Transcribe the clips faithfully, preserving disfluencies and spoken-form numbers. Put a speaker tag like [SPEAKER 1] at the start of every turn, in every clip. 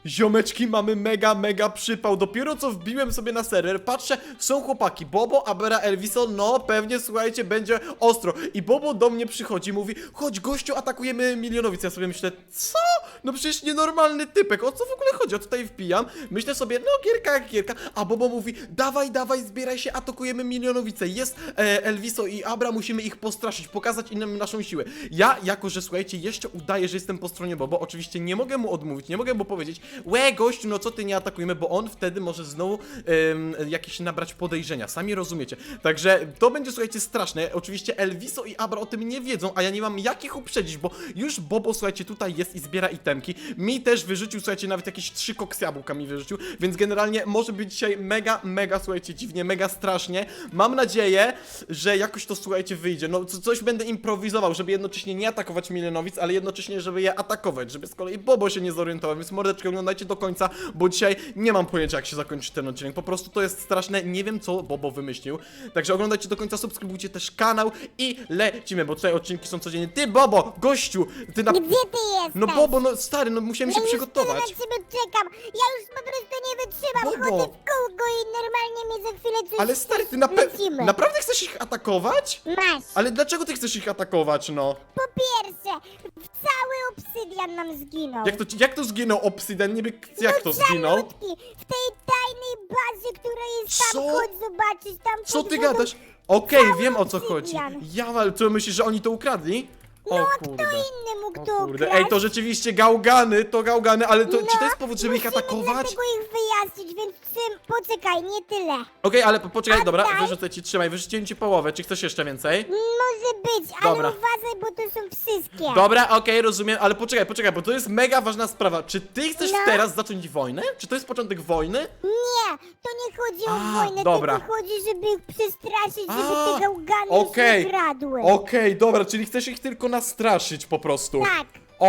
[SPEAKER 1] Ziomeczki, mamy mega, mega przypał. Dopiero co wbiłem sobie na serwer, patrzę, są chłopaki, Bobo, Abera, Elviso, no pewnie, słuchajcie, będzie ostro. I Bobo do mnie przychodzi, mówi, chodź gościu, atakujemy milionowic. Ja sobie myślę, co? No przecież nienormalny typek, o co w ogóle chodzi? Ja tutaj wbijam, myślę sobie, no gierka jak gierka, a Bobo mówi, dawaj, dawaj, zbieraj się, atakujemy milionowice. Jest e, Elviso i Abra, musimy ich postraszyć, pokazać innym naszą siłę. Ja, jako że, słuchajcie, jeszcze udaję, że jestem po stronie Bobo, oczywiście nie mogę mu odmówić, nie mogę mu powiedzieć, łe, gościu, no co ty, nie atakujemy, bo on wtedy może znowu ym, jakieś nabrać podejrzenia, sami rozumiecie. Także to będzie, słuchajcie, straszne. Oczywiście Elviso i Abra o tym nie wiedzą, a ja nie mam jak ich uprzedzić, bo już Bobo, słuchajcie, tutaj jest i zbiera itemki. Mi też wyrzucił, słuchajcie, nawet jakieś trzy koks jabłka mi wyrzucił, więc generalnie może być dzisiaj mega, mega, słuchajcie, dziwnie, mega strasznie. Mam nadzieję, że jakoś to, słuchajcie, wyjdzie. No, co, coś będę improwizował, żeby jednocześnie nie atakować milionowic, ale jednocześnie, żeby je atakować, żeby z kolei Bobo się nie zorientował, więc mordeczkę oglądajcie do końca, bo dzisiaj nie mam pojęcia, jak się zakończy ten odcinek. Po prostu to jest straszne, nie wiem, co Bobo wymyślił. Także oglądajcie do końca, subskrybujcie też kanał i lecimy, bo tutaj odcinki są codziennie. Ty, Bobo, gościu, ty na...
[SPEAKER 2] Gdzie ty jesteś?
[SPEAKER 1] No Bobo, no stary, no musiałem się
[SPEAKER 2] ja już
[SPEAKER 1] przygotować.
[SPEAKER 2] tyle na ciebie czekam. Ja już po prostu nie wytrzymam.
[SPEAKER 1] Bobo.
[SPEAKER 2] Chodzę w kółko i normalnie mnie za chwilę coś...
[SPEAKER 1] Ale stary, ty na pe...
[SPEAKER 2] lecimy.
[SPEAKER 1] naprawdę chcesz ich atakować?
[SPEAKER 2] Masz.
[SPEAKER 1] Ale dlaczego ty chcesz ich atakować, no?
[SPEAKER 2] Po pierwsze, cały obsydian nam zginął.
[SPEAKER 1] Jak to, jak to zginął Obsidian? Niby, jak to zginął?
[SPEAKER 2] Malutki, w tej tajnej bazie, która jest tam,
[SPEAKER 1] Co?
[SPEAKER 2] chodź zobaczyć, tam
[SPEAKER 1] Co
[SPEAKER 2] pod
[SPEAKER 1] ty
[SPEAKER 2] wodą.
[SPEAKER 1] gadasz? Okej,
[SPEAKER 2] Cały
[SPEAKER 1] wiem o co chodzi.
[SPEAKER 2] obsydian.
[SPEAKER 1] Ja, ale co myślisz, że oni to ukradli? O
[SPEAKER 2] No, a kto
[SPEAKER 1] kurde.
[SPEAKER 2] inny mógł
[SPEAKER 1] O
[SPEAKER 2] to
[SPEAKER 1] kurde.
[SPEAKER 2] ukraść?
[SPEAKER 1] Ej, to rzeczywiście gałgany, to gałgany, ale to,
[SPEAKER 2] No,
[SPEAKER 1] czy to jest powód, żeby ich
[SPEAKER 2] musimy
[SPEAKER 1] atakować?
[SPEAKER 2] dlatego ich wyjaśnić, więc czym... Poczekaj, nie tyle.
[SPEAKER 1] Okej, ale po- poczekaj, dobra,
[SPEAKER 2] Oddaj.
[SPEAKER 1] wyrzucę ci, trzymaj, wyrzuciłem ci połowę, czy chcesz jeszcze więcej?
[SPEAKER 2] Może być, ale
[SPEAKER 1] Dobra.
[SPEAKER 2] uważaj, bo to są wszystkie.
[SPEAKER 1] Dobra, okej, rozumiem, ale poczekaj, poczekaj, bo to jest mega ważna sprawa. Czy ty chcesz
[SPEAKER 2] No.
[SPEAKER 1] teraz zacząć wojnę? Czy to jest początek wojny?
[SPEAKER 2] Nie, to nie chodzi o
[SPEAKER 1] A,
[SPEAKER 2] wojnę,
[SPEAKER 1] dobra.
[SPEAKER 2] tylko chodzi, żeby ich przestraszyć, żeby
[SPEAKER 1] A,
[SPEAKER 2] te gałgany
[SPEAKER 1] okej.
[SPEAKER 2] już nie kradły.
[SPEAKER 1] Okej, dobra, czyli chcesz ich tylko nastraszyć po prostu.
[SPEAKER 2] Tak.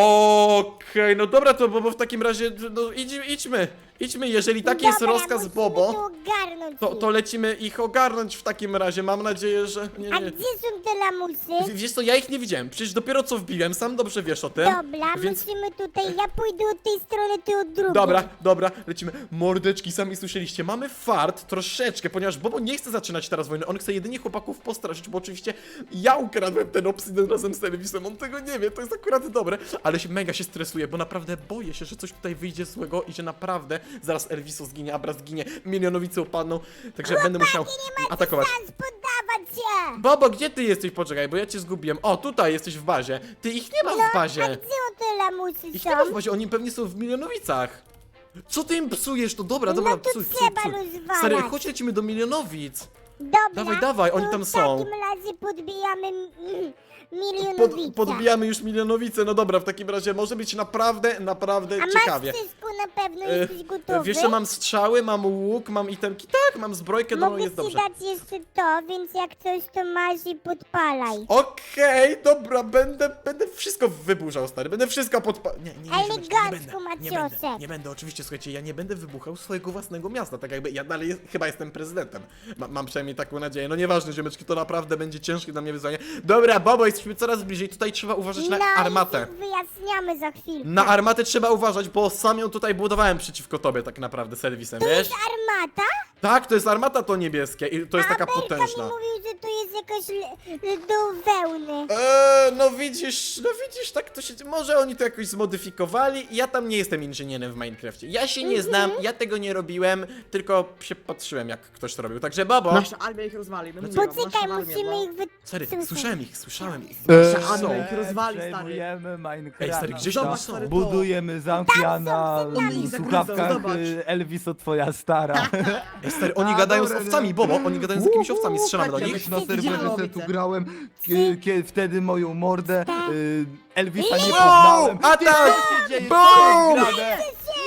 [SPEAKER 1] Okej, no dobra, to Bobo w takim razie, no idź, idźmy, idźmy, jeżeli taki jest
[SPEAKER 2] Dobra,
[SPEAKER 1] rozkaz
[SPEAKER 2] musimy
[SPEAKER 1] Bobo,
[SPEAKER 2] to ogarnąć
[SPEAKER 1] to,
[SPEAKER 2] ich.
[SPEAKER 1] to lecimy ich ogarnąć w takim razie, mam nadzieję, że... Nie,
[SPEAKER 2] A
[SPEAKER 1] nie.
[SPEAKER 2] gdzie są te lamusy?
[SPEAKER 1] W- Wiesz co, ja ich nie widziałem, przecież dopiero co wbiłem, sam dobrze wiesz o tym.
[SPEAKER 2] Dobra,
[SPEAKER 1] więc...
[SPEAKER 2] musimy tutaj, ja pójdę od tej strony, ty od drugiej.
[SPEAKER 1] Dobra, dobra, lecimy. Mordeczki, sami słyszeliście, mamy fart troszeczkę, ponieważ Bobo nie chce zaczynać teraz wojny, on chce jedynie chłopaków postraszyć, bo oczywiście ja ukradłem ten obsydian razem z serwisem, on tego nie wie, to jest akurat dobre, ale się mega się stresuje, bo naprawdę boję się, że coś tutaj wyjdzie złego i że naprawdę zaraz Elviso zginie, Abra zginie, milionowice upadną, także będę musiał
[SPEAKER 2] Nie ma
[SPEAKER 1] atakować.
[SPEAKER 2] szans poddawać się.
[SPEAKER 1] Bobo, gdzie ty jesteś? Poczekaj, bo ja cię zgubiłem. O, tutaj jesteś w bazie. Ty, ich nie ma w
[SPEAKER 2] A
[SPEAKER 1] bazie.
[SPEAKER 2] gdzie te lamusy
[SPEAKER 1] Ich
[SPEAKER 2] są?
[SPEAKER 1] nie ma w bazie, oni pewnie są w milionowicach. Co ty im psujesz? To dobra,
[SPEAKER 2] No
[SPEAKER 1] dobra,
[SPEAKER 2] to
[SPEAKER 1] psuj, psuj,
[SPEAKER 2] trzeba
[SPEAKER 1] psuj.
[SPEAKER 2] rozwalać.
[SPEAKER 1] Stary, chodź lecimy do milionowic.
[SPEAKER 2] Dobra,
[SPEAKER 1] Dawaj, dawaj, oni
[SPEAKER 2] to
[SPEAKER 1] tam
[SPEAKER 2] w
[SPEAKER 1] są.
[SPEAKER 2] takim razie podbijamy mm,
[SPEAKER 1] Pod,
[SPEAKER 2] milionowice.
[SPEAKER 1] podbijamy już milionowice, no dobra, w takim razie może być naprawdę, naprawdę
[SPEAKER 2] A
[SPEAKER 1] ciekawie.
[SPEAKER 2] masz wszystko na pewno,
[SPEAKER 1] E,
[SPEAKER 2] jesteś gotowy?
[SPEAKER 1] Wiesz co, mam strzały, mam łuk, mam itemki, tak, mam zbrojkę, no
[SPEAKER 2] Mogę
[SPEAKER 1] jest
[SPEAKER 2] ci
[SPEAKER 1] dobrze.
[SPEAKER 2] dać jeszcze to, więc jak coś to masz i podpalaj.
[SPEAKER 1] Okej, dobra, będę, będę wszystko wyburzał, stary, będę wszystko podpa... Nie, nie, nie, ziomeczki, nie
[SPEAKER 2] Elegancko,
[SPEAKER 1] będę, nie będę,
[SPEAKER 2] Maciosek.
[SPEAKER 1] nie będę, oczywiście, słuchajcie, ja nie będę wybuchał swojego własnego miasta, tak jakby ja dalej jest, chyba jestem prezydentem, Ma, mam przynajmniej taką nadzieję, no nieważne, ziomeczki, to naprawdę będzie ciężkie dla mnie wyzwanie. Dobra, Bobo, jesteśmy coraz bliżej, tutaj trzeba uważać na
[SPEAKER 2] no
[SPEAKER 1] armatę.
[SPEAKER 2] i wyjaśniamy za chwilkę.
[SPEAKER 1] Na armatę trzeba uważać, bo sam ją tutaj budowałem przeciwko tobie tak naprawdę serwisem,
[SPEAKER 2] To
[SPEAKER 1] wiesz?
[SPEAKER 2] jest armata?
[SPEAKER 1] Tak, to jest armata to niebieskie i to jest taka
[SPEAKER 2] A Belka
[SPEAKER 1] potężna.
[SPEAKER 2] mi mówił, że to jest jakaś le- le- do wełny.
[SPEAKER 1] Eee, no widzisz, no widzisz, tak to się... Może oni to jakoś zmodyfikowali, ja tam nie jestem inżynierem w Minecrafcie. Ja się nie znam, ja tego nie robiłem, tylko się patrzyłem jak ktoś to robił, także Bobo...
[SPEAKER 3] Nasza armia ich rozwali, no mówię wam,
[SPEAKER 2] Poczekaj,
[SPEAKER 3] nasza armia,
[SPEAKER 2] musimy
[SPEAKER 3] no.
[SPEAKER 2] ich wy...
[SPEAKER 1] Sorry,
[SPEAKER 2] Słyszę.
[SPEAKER 1] słyszałem ich, słyszałem ich.
[SPEAKER 3] Nasza
[SPEAKER 1] Są.
[SPEAKER 3] armia ich rozwali, stary.
[SPEAKER 4] Przejmujemy Minecraft.
[SPEAKER 1] Ej, stary, gdzieś oni
[SPEAKER 3] Zobacz,
[SPEAKER 1] są.
[SPEAKER 3] stary, to.
[SPEAKER 4] Budujemy zamki, a na
[SPEAKER 2] Tam są,
[SPEAKER 3] tam są.
[SPEAKER 4] słuchawkach
[SPEAKER 3] Zobacz.
[SPEAKER 4] y, Elviso twoja stara.
[SPEAKER 1] Ej, stary, oni
[SPEAKER 4] A,
[SPEAKER 1] gadają z
[SPEAKER 4] dobra,
[SPEAKER 1] owcami,
[SPEAKER 4] dobra.
[SPEAKER 1] Bobo, oni gadają z jakimiś owcami, strzelamy do
[SPEAKER 3] tak,
[SPEAKER 1] nich.
[SPEAKER 4] Kiedyś na serwerze
[SPEAKER 3] Widziałem.
[SPEAKER 4] se tu grałem, kie- kie- wtedy moją mordę y, Elvisa nie
[SPEAKER 1] Wow,
[SPEAKER 4] poznałem.
[SPEAKER 1] atak!
[SPEAKER 4] Co się dzieje?
[SPEAKER 1] Boom!
[SPEAKER 4] Co jest grane?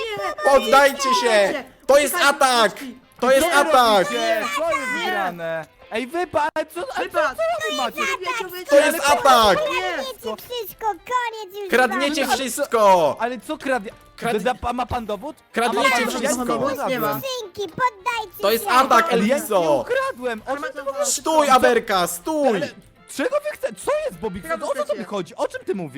[SPEAKER 1] Poddajcie się! To jest atak! To jest
[SPEAKER 4] Co
[SPEAKER 1] atak!
[SPEAKER 4] robicie? Co jest grane? Ej, wypad! Co, a co,
[SPEAKER 3] Wypad!
[SPEAKER 4] co wy macie?
[SPEAKER 3] Wiecie, wiecie,
[SPEAKER 1] To jest atak!
[SPEAKER 2] Kradniecie wszystko, koniec już
[SPEAKER 1] Kradniecie
[SPEAKER 2] wam.
[SPEAKER 1] wszystko!
[SPEAKER 4] Ale co kradnie?
[SPEAKER 1] Krad-
[SPEAKER 4] Da- A ma pan dowód?
[SPEAKER 1] Kradniecie
[SPEAKER 4] A ma pan-
[SPEAKER 1] wszystko.
[SPEAKER 4] Ja
[SPEAKER 3] Nie ma.
[SPEAKER 2] Skrzynki, poddajcie
[SPEAKER 1] To jest
[SPEAKER 2] się.
[SPEAKER 1] atak,
[SPEAKER 4] Ale ja nie
[SPEAKER 1] Elviso!
[SPEAKER 4] ukradłem! O czym ty mówisz?
[SPEAKER 1] Stój, Aberka, stój!
[SPEAKER 4] Ale czego wy chcecie? Co jest, Bobik? O co tobie chodzi? O czym ty mówisz?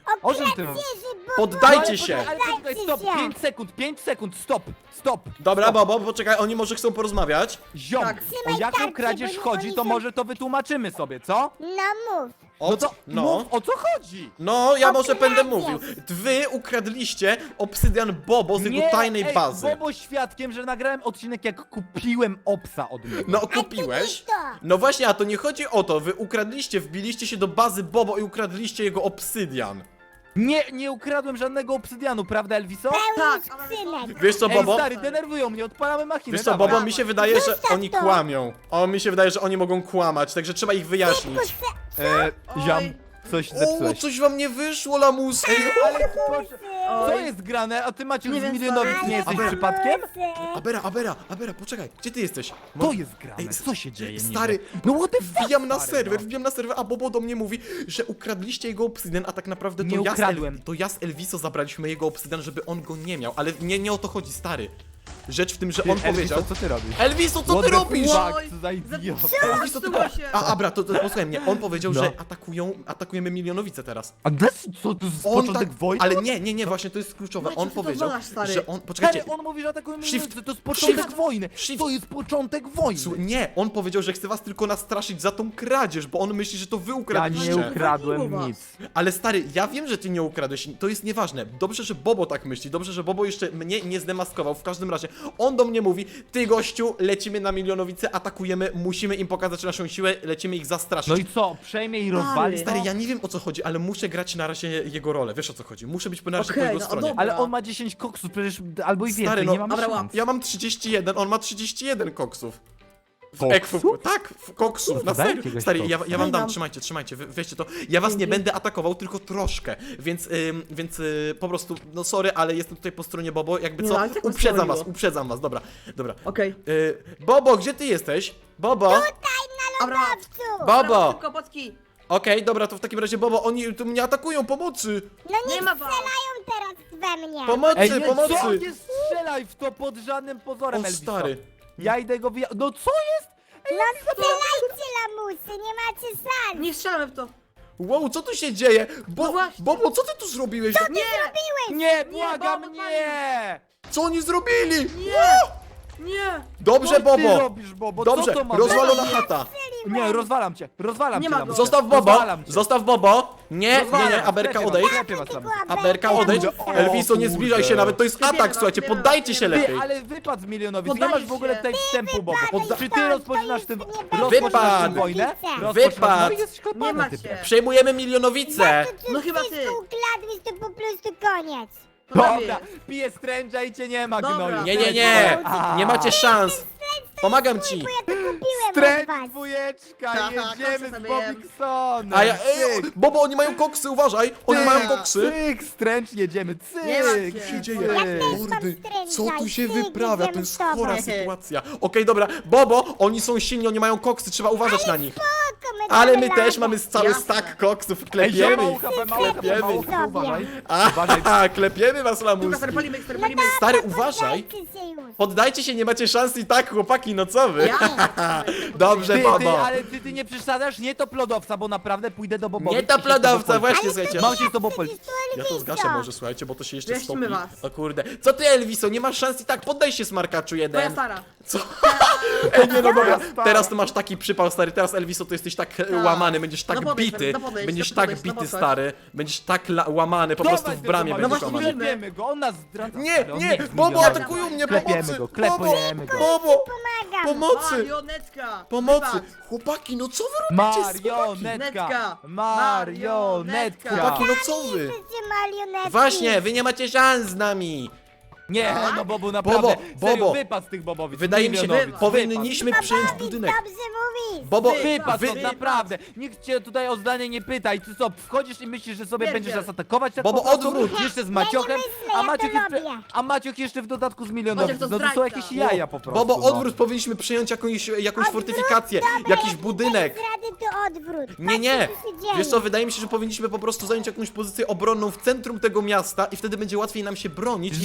[SPEAKER 4] O czym ty
[SPEAKER 2] Wieży, bo...
[SPEAKER 1] Poddajcie się!
[SPEAKER 4] Ale poczekaj, stop,
[SPEAKER 2] się.
[SPEAKER 4] pięć sekund, pięć sekund, stop, stop.
[SPEAKER 1] Dobra,
[SPEAKER 4] stop.
[SPEAKER 1] Bobo, poczekaj, oni może chcą porozmawiać?
[SPEAKER 4] Ziom,
[SPEAKER 3] Tak.
[SPEAKER 4] o
[SPEAKER 2] Trzymaj
[SPEAKER 4] jaką
[SPEAKER 2] tarczę,
[SPEAKER 4] kradzież
[SPEAKER 2] bo
[SPEAKER 4] chodzi,
[SPEAKER 2] oni
[SPEAKER 4] to
[SPEAKER 2] są-
[SPEAKER 4] może to wytłumaczymy sobie, co?
[SPEAKER 2] No mów.
[SPEAKER 1] O,
[SPEAKER 4] No to
[SPEAKER 1] no.
[SPEAKER 4] mów, o co chodzi?
[SPEAKER 1] No, ja może będę
[SPEAKER 2] kradzież.
[SPEAKER 1] mówił. Wy ukradliście obsydian Bobo z jego tajnej
[SPEAKER 4] ej,
[SPEAKER 1] bazy.
[SPEAKER 4] Bobo świadkiem, że nagrałem odcinek jak kupiłem obsa od niego.
[SPEAKER 1] No,
[SPEAKER 2] A to
[SPEAKER 1] kupiłeś?
[SPEAKER 2] nie to.
[SPEAKER 1] No właśnie, a to nie chodzi o to. Wy ukradliście, wbiliście się do bazy Bobo i ukradliście jego obsydian.
[SPEAKER 4] Nie, nie ukradłem żadnego obsydianu, prawda Elviso?
[SPEAKER 3] Tak,
[SPEAKER 2] Pełny
[SPEAKER 3] ale wiesz co?
[SPEAKER 2] skrzynek.
[SPEAKER 1] Wiesz co,
[SPEAKER 4] Ej,
[SPEAKER 1] Bobo?
[SPEAKER 4] stary, denerwują mnie, odpalamy machinę,
[SPEAKER 1] Wiesz co,
[SPEAKER 4] dawaj.
[SPEAKER 1] Bobo, mi się wydaje, że
[SPEAKER 2] Zostaw
[SPEAKER 1] oni
[SPEAKER 2] to.
[SPEAKER 1] kłamią. O, mi się wydaje, że oni mogą kłamać, także trzeba ich wyjaśnić.
[SPEAKER 4] E, ziam,
[SPEAKER 3] Oj.
[SPEAKER 4] coś
[SPEAKER 1] O,
[SPEAKER 4] zepsułeś.
[SPEAKER 1] coś wam nie wyszło, lamusy.
[SPEAKER 4] Ale proszę, co
[SPEAKER 3] Oj.
[SPEAKER 4] jest grane? A ty Maciek
[SPEAKER 3] Nie
[SPEAKER 4] z
[SPEAKER 3] wiem,
[SPEAKER 4] milionowic
[SPEAKER 3] stary.
[SPEAKER 4] nie jesteś
[SPEAKER 1] Ale-
[SPEAKER 4] przypadkiem?
[SPEAKER 1] Abera, Abera, Abera, poczekaj, gdzie ty jesteś?
[SPEAKER 4] To jest grane,
[SPEAKER 1] Ej,
[SPEAKER 4] co się dzieje?
[SPEAKER 1] stary,
[SPEAKER 4] niby? No what the fuck,
[SPEAKER 1] Wbijam na
[SPEAKER 4] stary,
[SPEAKER 1] serwer,
[SPEAKER 4] no.
[SPEAKER 1] wbijam na serwer, a Bobo do mnie mówi, że ukradliście jego obsydian, a tak naprawdę to
[SPEAKER 4] Nie
[SPEAKER 1] ja, z
[SPEAKER 4] ukradłem.
[SPEAKER 1] El, to ja z Elviso zabraliśmy jego obsydian, żeby on go nie miał, ale nie, nie o to chodzi, stary. Rzecz w tym, że
[SPEAKER 4] Ty,
[SPEAKER 1] on
[SPEAKER 4] Elviso,
[SPEAKER 1] powiedział...
[SPEAKER 4] co ty robisz?
[SPEAKER 1] Elviso, co
[SPEAKER 4] What
[SPEAKER 1] ty
[SPEAKER 4] the
[SPEAKER 1] robisz?
[SPEAKER 4] fuck,
[SPEAKER 3] Oj,
[SPEAKER 4] co za idiota.
[SPEAKER 1] Elviso, ty...
[SPEAKER 3] Zepsuło się.
[SPEAKER 1] A, Abra, to, to posłuchaj mnie, on powiedział,
[SPEAKER 4] No.
[SPEAKER 1] że atakują, atakujemy Milionowice teraz.
[SPEAKER 4] A des, co, to jest
[SPEAKER 1] On
[SPEAKER 4] początek
[SPEAKER 1] tak,
[SPEAKER 4] wojny?
[SPEAKER 1] ale nie, nie, nie, właśnie to jest kluczowe.
[SPEAKER 3] Maciek,
[SPEAKER 1] On
[SPEAKER 3] ty to
[SPEAKER 1] powiedział,
[SPEAKER 3] znasz, stary.
[SPEAKER 1] że on... Poczekajcie,
[SPEAKER 4] Stary, on mówi, że atakujemy
[SPEAKER 1] Shift.
[SPEAKER 4] milionowice, to jest początek
[SPEAKER 1] Shift.
[SPEAKER 4] wojny.
[SPEAKER 1] Shift.
[SPEAKER 4] To jest początek wojny.
[SPEAKER 1] Słu- nie, on powiedział, że chce was tylko nastraszyć za tą kradzież, bo on myśli, że to wy
[SPEAKER 4] Ja
[SPEAKER 1] ukradliście.
[SPEAKER 4] nie ukradłem
[SPEAKER 3] Zabiło was.
[SPEAKER 4] nic.
[SPEAKER 1] Ale stary, ja wiem, że ty nie ukradłeś, to jest nieważne. Dobrze, że Bobo tak myśli, dobrze, że Bobo jeszcze mnie nie zdemaskował. W każdym razie, on do mnie mówi, ty gościu, lecimy na Milionowice, atakujemy, musimy im pokazać naszą siłę, lecimy ich zastraszyć.
[SPEAKER 4] No i co, przejmie i rozwali?
[SPEAKER 1] Stary,
[SPEAKER 4] to?
[SPEAKER 1] ja nie wiem o co chodzi, ale muszę grać na razie jego rolę, wiesz o co chodzi, muszę być na razie
[SPEAKER 3] Okej,
[SPEAKER 1] po jego
[SPEAKER 3] no,
[SPEAKER 1] stronie.
[SPEAKER 3] dobra.
[SPEAKER 4] Ale on ma dziesięć koksów, przecież albo i
[SPEAKER 1] Stary,
[SPEAKER 4] więcej,
[SPEAKER 1] no,
[SPEAKER 4] nie mamy
[SPEAKER 3] dobra,
[SPEAKER 4] szans.
[SPEAKER 3] łap.
[SPEAKER 1] Ja mam trzydzieści jeden, on ma trzydzieści jeden koksów. W
[SPEAKER 4] Koksów?
[SPEAKER 1] ekwu, tak, w koksów, na
[SPEAKER 4] Daj
[SPEAKER 1] serio.
[SPEAKER 4] jakiegoś
[SPEAKER 1] Stary, ja,
[SPEAKER 4] koksa.
[SPEAKER 1] ja wam dam,
[SPEAKER 3] Dam.
[SPEAKER 1] trzymajcie, trzymajcie, wy, weźcie to. Ja was nie
[SPEAKER 3] Dzięki.
[SPEAKER 1] będę atakował, tylko troszkę, więc, ym, więc y, po prostu, no sorry, ale jestem tutaj po stronie Bobo, jakby
[SPEAKER 3] Nie,
[SPEAKER 1] co,
[SPEAKER 3] ale tak was
[SPEAKER 1] uprzedzam was,
[SPEAKER 3] broniło.
[SPEAKER 1] uprzedzam was, dobra, dobra.
[SPEAKER 3] Okej.
[SPEAKER 1] Y, Bobo, gdzie ty jesteś? Bobo? Okej,
[SPEAKER 3] Dobra,
[SPEAKER 2] Owcu.
[SPEAKER 1] Bobo.
[SPEAKER 3] szybko, potki.
[SPEAKER 1] dobra, to w takim razie Bobo, oni tu mnie atakują, pomocy!
[SPEAKER 2] No nie
[SPEAKER 3] Nie ma was.
[SPEAKER 2] strzelają teraz we mnie.
[SPEAKER 1] Pomocy,
[SPEAKER 4] Ej, nie, co?
[SPEAKER 1] pomocy!
[SPEAKER 4] Nie strzelaj w to pod żadnym pozorem,
[SPEAKER 1] O
[SPEAKER 4] Elviso.
[SPEAKER 1] stary.
[SPEAKER 4] Ja idę go wyja... No co jest?
[SPEAKER 2] No strzelajcie, lamusy, nie macie szans.
[SPEAKER 3] Nie strzelamy w to.
[SPEAKER 1] Wow, co tu się dzieje? Bo,
[SPEAKER 3] No właśnie.
[SPEAKER 1] Bobo, co ty tu zrobiłeś?
[SPEAKER 3] Nie!
[SPEAKER 4] Nie, błagam,
[SPEAKER 3] Bobo,
[SPEAKER 4] nie!
[SPEAKER 1] Co oni zrobili?
[SPEAKER 3] Nie! Nie!
[SPEAKER 1] Dobrze,
[SPEAKER 4] Co ty
[SPEAKER 1] Bobo!
[SPEAKER 4] robisz, Bobo?
[SPEAKER 1] Dobrze,
[SPEAKER 4] Co to ma
[SPEAKER 1] rozwalona
[SPEAKER 4] być?
[SPEAKER 1] chata.
[SPEAKER 4] Nie, rozwalam cię, rozwalam
[SPEAKER 3] Nie
[SPEAKER 4] cię.
[SPEAKER 3] ma
[SPEAKER 4] lamusie.
[SPEAKER 3] go.
[SPEAKER 1] Zostaw Bobo!
[SPEAKER 4] Rozwalam cię.
[SPEAKER 1] Zostaw Bobo! Nie, nie,
[SPEAKER 4] Rozwalam,
[SPEAKER 1] nie, Aberka
[SPEAKER 4] sklepie was,
[SPEAKER 1] odejdź.
[SPEAKER 4] sklepie was, lamusie.
[SPEAKER 1] Aberka odejdź.
[SPEAKER 4] O,
[SPEAKER 1] Elviso, nie zbliżaj się
[SPEAKER 4] kurde.
[SPEAKER 1] nawet, to jest
[SPEAKER 3] Wiemy
[SPEAKER 1] atak,
[SPEAKER 3] was,
[SPEAKER 1] słuchajcie,
[SPEAKER 3] wiemy was,
[SPEAKER 1] poddajcie się
[SPEAKER 3] wiemy was.
[SPEAKER 1] lepiej.
[SPEAKER 4] Ty, ale wypad z milionowic, nie
[SPEAKER 3] Poddaję
[SPEAKER 4] masz w ogóle
[SPEAKER 3] się.
[SPEAKER 4] tutaj wstępu, Bobo.
[SPEAKER 2] wypadaj
[SPEAKER 4] Czy ty
[SPEAKER 2] stąd,
[SPEAKER 4] rozpoczynasz
[SPEAKER 2] to
[SPEAKER 4] tym,
[SPEAKER 2] już nie
[SPEAKER 4] rozpoczynasz
[SPEAKER 1] Wypad.
[SPEAKER 4] tym wojnę?
[SPEAKER 2] Wypad.
[SPEAKER 4] Rozpoczynasz-
[SPEAKER 1] Wypad.
[SPEAKER 4] No i jesteś
[SPEAKER 3] Nie
[SPEAKER 4] kopany,
[SPEAKER 3] ma
[SPEAKER 4] typie.
[SPEAKER 3] cię.
[SPEAKER 1] Przejmujemy Milionowice!
[SPEAKER 3] No chyba ty.
[SPEAKER 2] Wszystko ukradłeś, to po prostu koniec.
[SPEAKER 4] Dobra, piję stręża i cię nie ma,
[SPEAKER 3] Dobra.
[SPEAKER 4] gnoju.
[SPEAKER 1] Nie, nie, nie!
[SPEAKER 4] A.
[SPEAKER 1] Nie macie szans! Pomagam ci!
[SPEAKER 2] Bo ja to kupiłem od
[SPEAKER 4] Stręcz
[SPEAKER 2] was.
[SPEAKER 4] dwójeczka,
[SPEAKER 3] Tak,
[SPEAKER 4] jedziemy
[SPEAKER 3] koksa
[SPEAKER 4] z
[SPEAKER 3] sobie
[SPEAKER 4] Bobiksonem.
[SPEAKER 1] A ja, ej,
[SPEAKER 4] Cyk,
[SPEAKER 1] Bobo, oni mają koksy, uważaj! Oni
[SPEAKER 4] cyk,
[SPEAKER 1] mają koksy!
[SPEAKER 4] Cyk, stręcz, jedziemy,
[SPEAKER 3] Nie ma
[SPEAKER 4] cyk.
[SPEAKER 3] cię.
[SPEAKER 1] Co się dzieje?
[SPEAKER 2] Ja też mam
[SPEAKER 1] Mordy, co tu
[SPEAKER 2] stręża
[SPEAKER 1] się
[SPEAKER 2] i ty
[SPEAKER 1] wyprawia? To
[SPEAKER 2] idziemy
[SPEAKER 1] jest
[SPEAKER 2] z tobą.
[SPEAKER 1] chora sytuacja. Okej, dobra, Bobo, oni są silni, oni mają koksy, trzeba uważać na nich.
[SPEAKER 2] Spoko, my
[SPEAKER 1] Ale
[SPEAKER 2] damy
[SPEAKER 1] my też
[SPEAKER 2] radę.
[SPEAKER 1] mamy cały
[SPEAKER 3] Jasne.
[SPEAKER 1] stack koksów,
[SPEAKER 4] Ej,
[SPEAKER 1] klepiemy
[SPEAKER 4] zioma,
[SPEAKER 1] ich.
[SPEAKER 4] ucha, mało
[SPEAKER 1] Klepiemy
[SPEAKER 4] mało
[SPEAKER 1] ich.
[SPEAKER 4] uważaj. Uważaj.
[SPEAKER 1] Aha, klepiemy was,
[SPEAKER 3] Dobra,
[SPEAKER 1] lamuski.
[SPEAKER 3] stary, palimy, stary, palimy.
[SPEAKER 1] Stary, uważaj.
[SPEAKER 2] Poddajcie się już.
[SPEAKER 1] Poddajcie się, nie macie szans i tak, chłopaki, no co wy?
[SPEAKER 3] Ja?
[SPEAKER 1] Dobrze,
[SPEAKER 4] Ty, ty,
[SPEAKER 1] Bobo.
[SPEAKER 4] ale ty, ty nie przesadzasz, nie to plodowca, bo naprawdę pójdę do Bobowi.
[SPEAKER 1] Nie to plodowca, właśnie, słuchajcie.
[SPEAKER 4] Mam się z tobą policzyć.
[SPEAKER 1] Ja to zgaszę może, słuchajcie, bo to się jeszcze
[SPEAKER 3] Wyjaśnimy
[SPEAKER 1] stopi.
[SPEAKER 3] was.
[SPEAKER 1] O kurde. Co ty, Elviso, nie masz szans i tak, poddaj się, smarkaczu
[SPEAKER 3] Twoja
[SPEAKER 1] jeden.
[SPEAKER 3] stara.
[SPEAKER 1] Co? Ej, nie no dobra,
[SPEAKER 4] stara.
[SPEAKER 1] teraz to masz taki przypał, stary, teraz Elviso to jesteś tak e, łamany, będziesz tak
[SPEAKER 3] No podejdź,
[SPEAKER 1] bity,
[SPEAKER 3] no podejdź,
[SPEAKER 1] będziesz
[SPEAKER 3] no
[SPEAKER 1] tak
[SPEAKER 3] podejdź, no
[SPEAKER 1] bity,
[SPEAKER 3] podejdź.
[SPEAKER 1] stary, będziesz tak la- łamany, po
[SPEAKER 4] Dawaj
[SPEAKER 1] prostu w
[SPEAKER 4] tego
[SPEAKER 1] bramie
[SPEAKER 4] Mario,
[SPEAKER 1] będziesz
[SPEAKER 3] właśnie
[SPEAKER 1] łamany.
[SPEAKER 4] klepiemy go, on nas zdradza.
[SPEAKER 1] Nie,
[SPEAKER 4] stary, on
[SPEAKER 1] nie,
[SPEAKER 4] jest
[SPEAKER 1] Bobo,
[SPEAKER 4] milionerem.
[SPEAKER 1] atakują mnie,
[SPEAKER 4] Klepiemy
[SPEAKER 1] pomocy!
[SPEAKER 4] go,
[SPEAKER 1] Bobo,
[SPEAKER 4] klepujemy go.
[SPEAKER 1] Bobo,
[SPEAKER 2] Pomagam.
[SPEAKER 1] pomocy!
[SPEAKER 3] Marionetka.
[SPEAKER 1] Pomocy!
[SPEAKER 3] Wybacz.
[SPEAKER 1] Chłopaki, no co wy robicie?
[SPEAKER 4] Marionetka!
[SPEAKER 3] Marionetka.
[SPEAKER 4] Marionetka!
[SPEAKER 1] Chłopaki, no co wy?
[SPEAKER 2] Jesteście marionetki.
[SPEAKER 1] Właśnie, wy nie macie szans z nami!
[SPEAKER 4] Nie, no Bobu, naprawdę,
[SPEAKER 1] Bobo,
[SPEAKER 4] serio,
[SPEAKER 1] Bobo.
[SPEAKER 4] wypad z tych Bobowic.
[SPEAKER 1] Wydaje mi się,
[SPEAKER 4] milionowic,
[SPEAKER 3] wypad.
[SPEAKER 1] powinniśmy przejąć budynek.
[SPEAKER 2] Dobrze mówisz.
[SPEAKER 1] Bobo,
[SPEAKER 4] Wypad,
[SPEAKER 1] wy,
[SPEAKER 4] stąd, naprawdę. Nikt cię tutaj o zdanie nie pyta i ty co, wchodzisz i myślisz, że sobie
[SPEAKER 3] Pierdziel.
[SPEAKER 4] będziesz nas atakować? Tak
[SPEAKER 1] Bobo,
[SPEAKER 4] po prostu?
[SPEAKER 1] odwróć.
[SPEAKER 4] Jeszcze z
[SPEAKER 2] Ja
[SPEAKER 4] Maciochem,
[SPEAKER 2] nie myślę,
[SPEAKER 4] a
[SPEAKER 2] ja
[SPEAKER 4] Maciok
[SPEAKER 2] to
[SPEAKER 4] jeszcze,
[SPEAKER 2] robię.
[SPEAKER 4] a Maciok jeszcze w dodatku z milionowic.
[SPEAKER 3] Maciek to
[SPEAKER 4] No to są
[SPEAKER 3] zdrajca.
[SPEAKER 4] jakieś jaja po prostu.
[SPEAKER 1] Bobo,
[SPEAKER 4] no.
[SPEAKER 1] odwrót, powinniśmy przejąć jakąś, jakąś fortyfikację, jakiś budynek.
[SPEAKER 2] Rady to odwrót.
[SPEAKER 1] Nie, nie!
[SPEAKER 2] Patrzcie, co się dzieje.
[SPEAKER 1] Wiesz co, wydaje mi się, że powinniśmy po prostu zająć jakąś pozycję obronną w centrum tego miasta i wtedy będzie łatwiej nam się bronić i ich
[SPEAKER 4] Żadne,
[SPEAKER 1] wykończyć.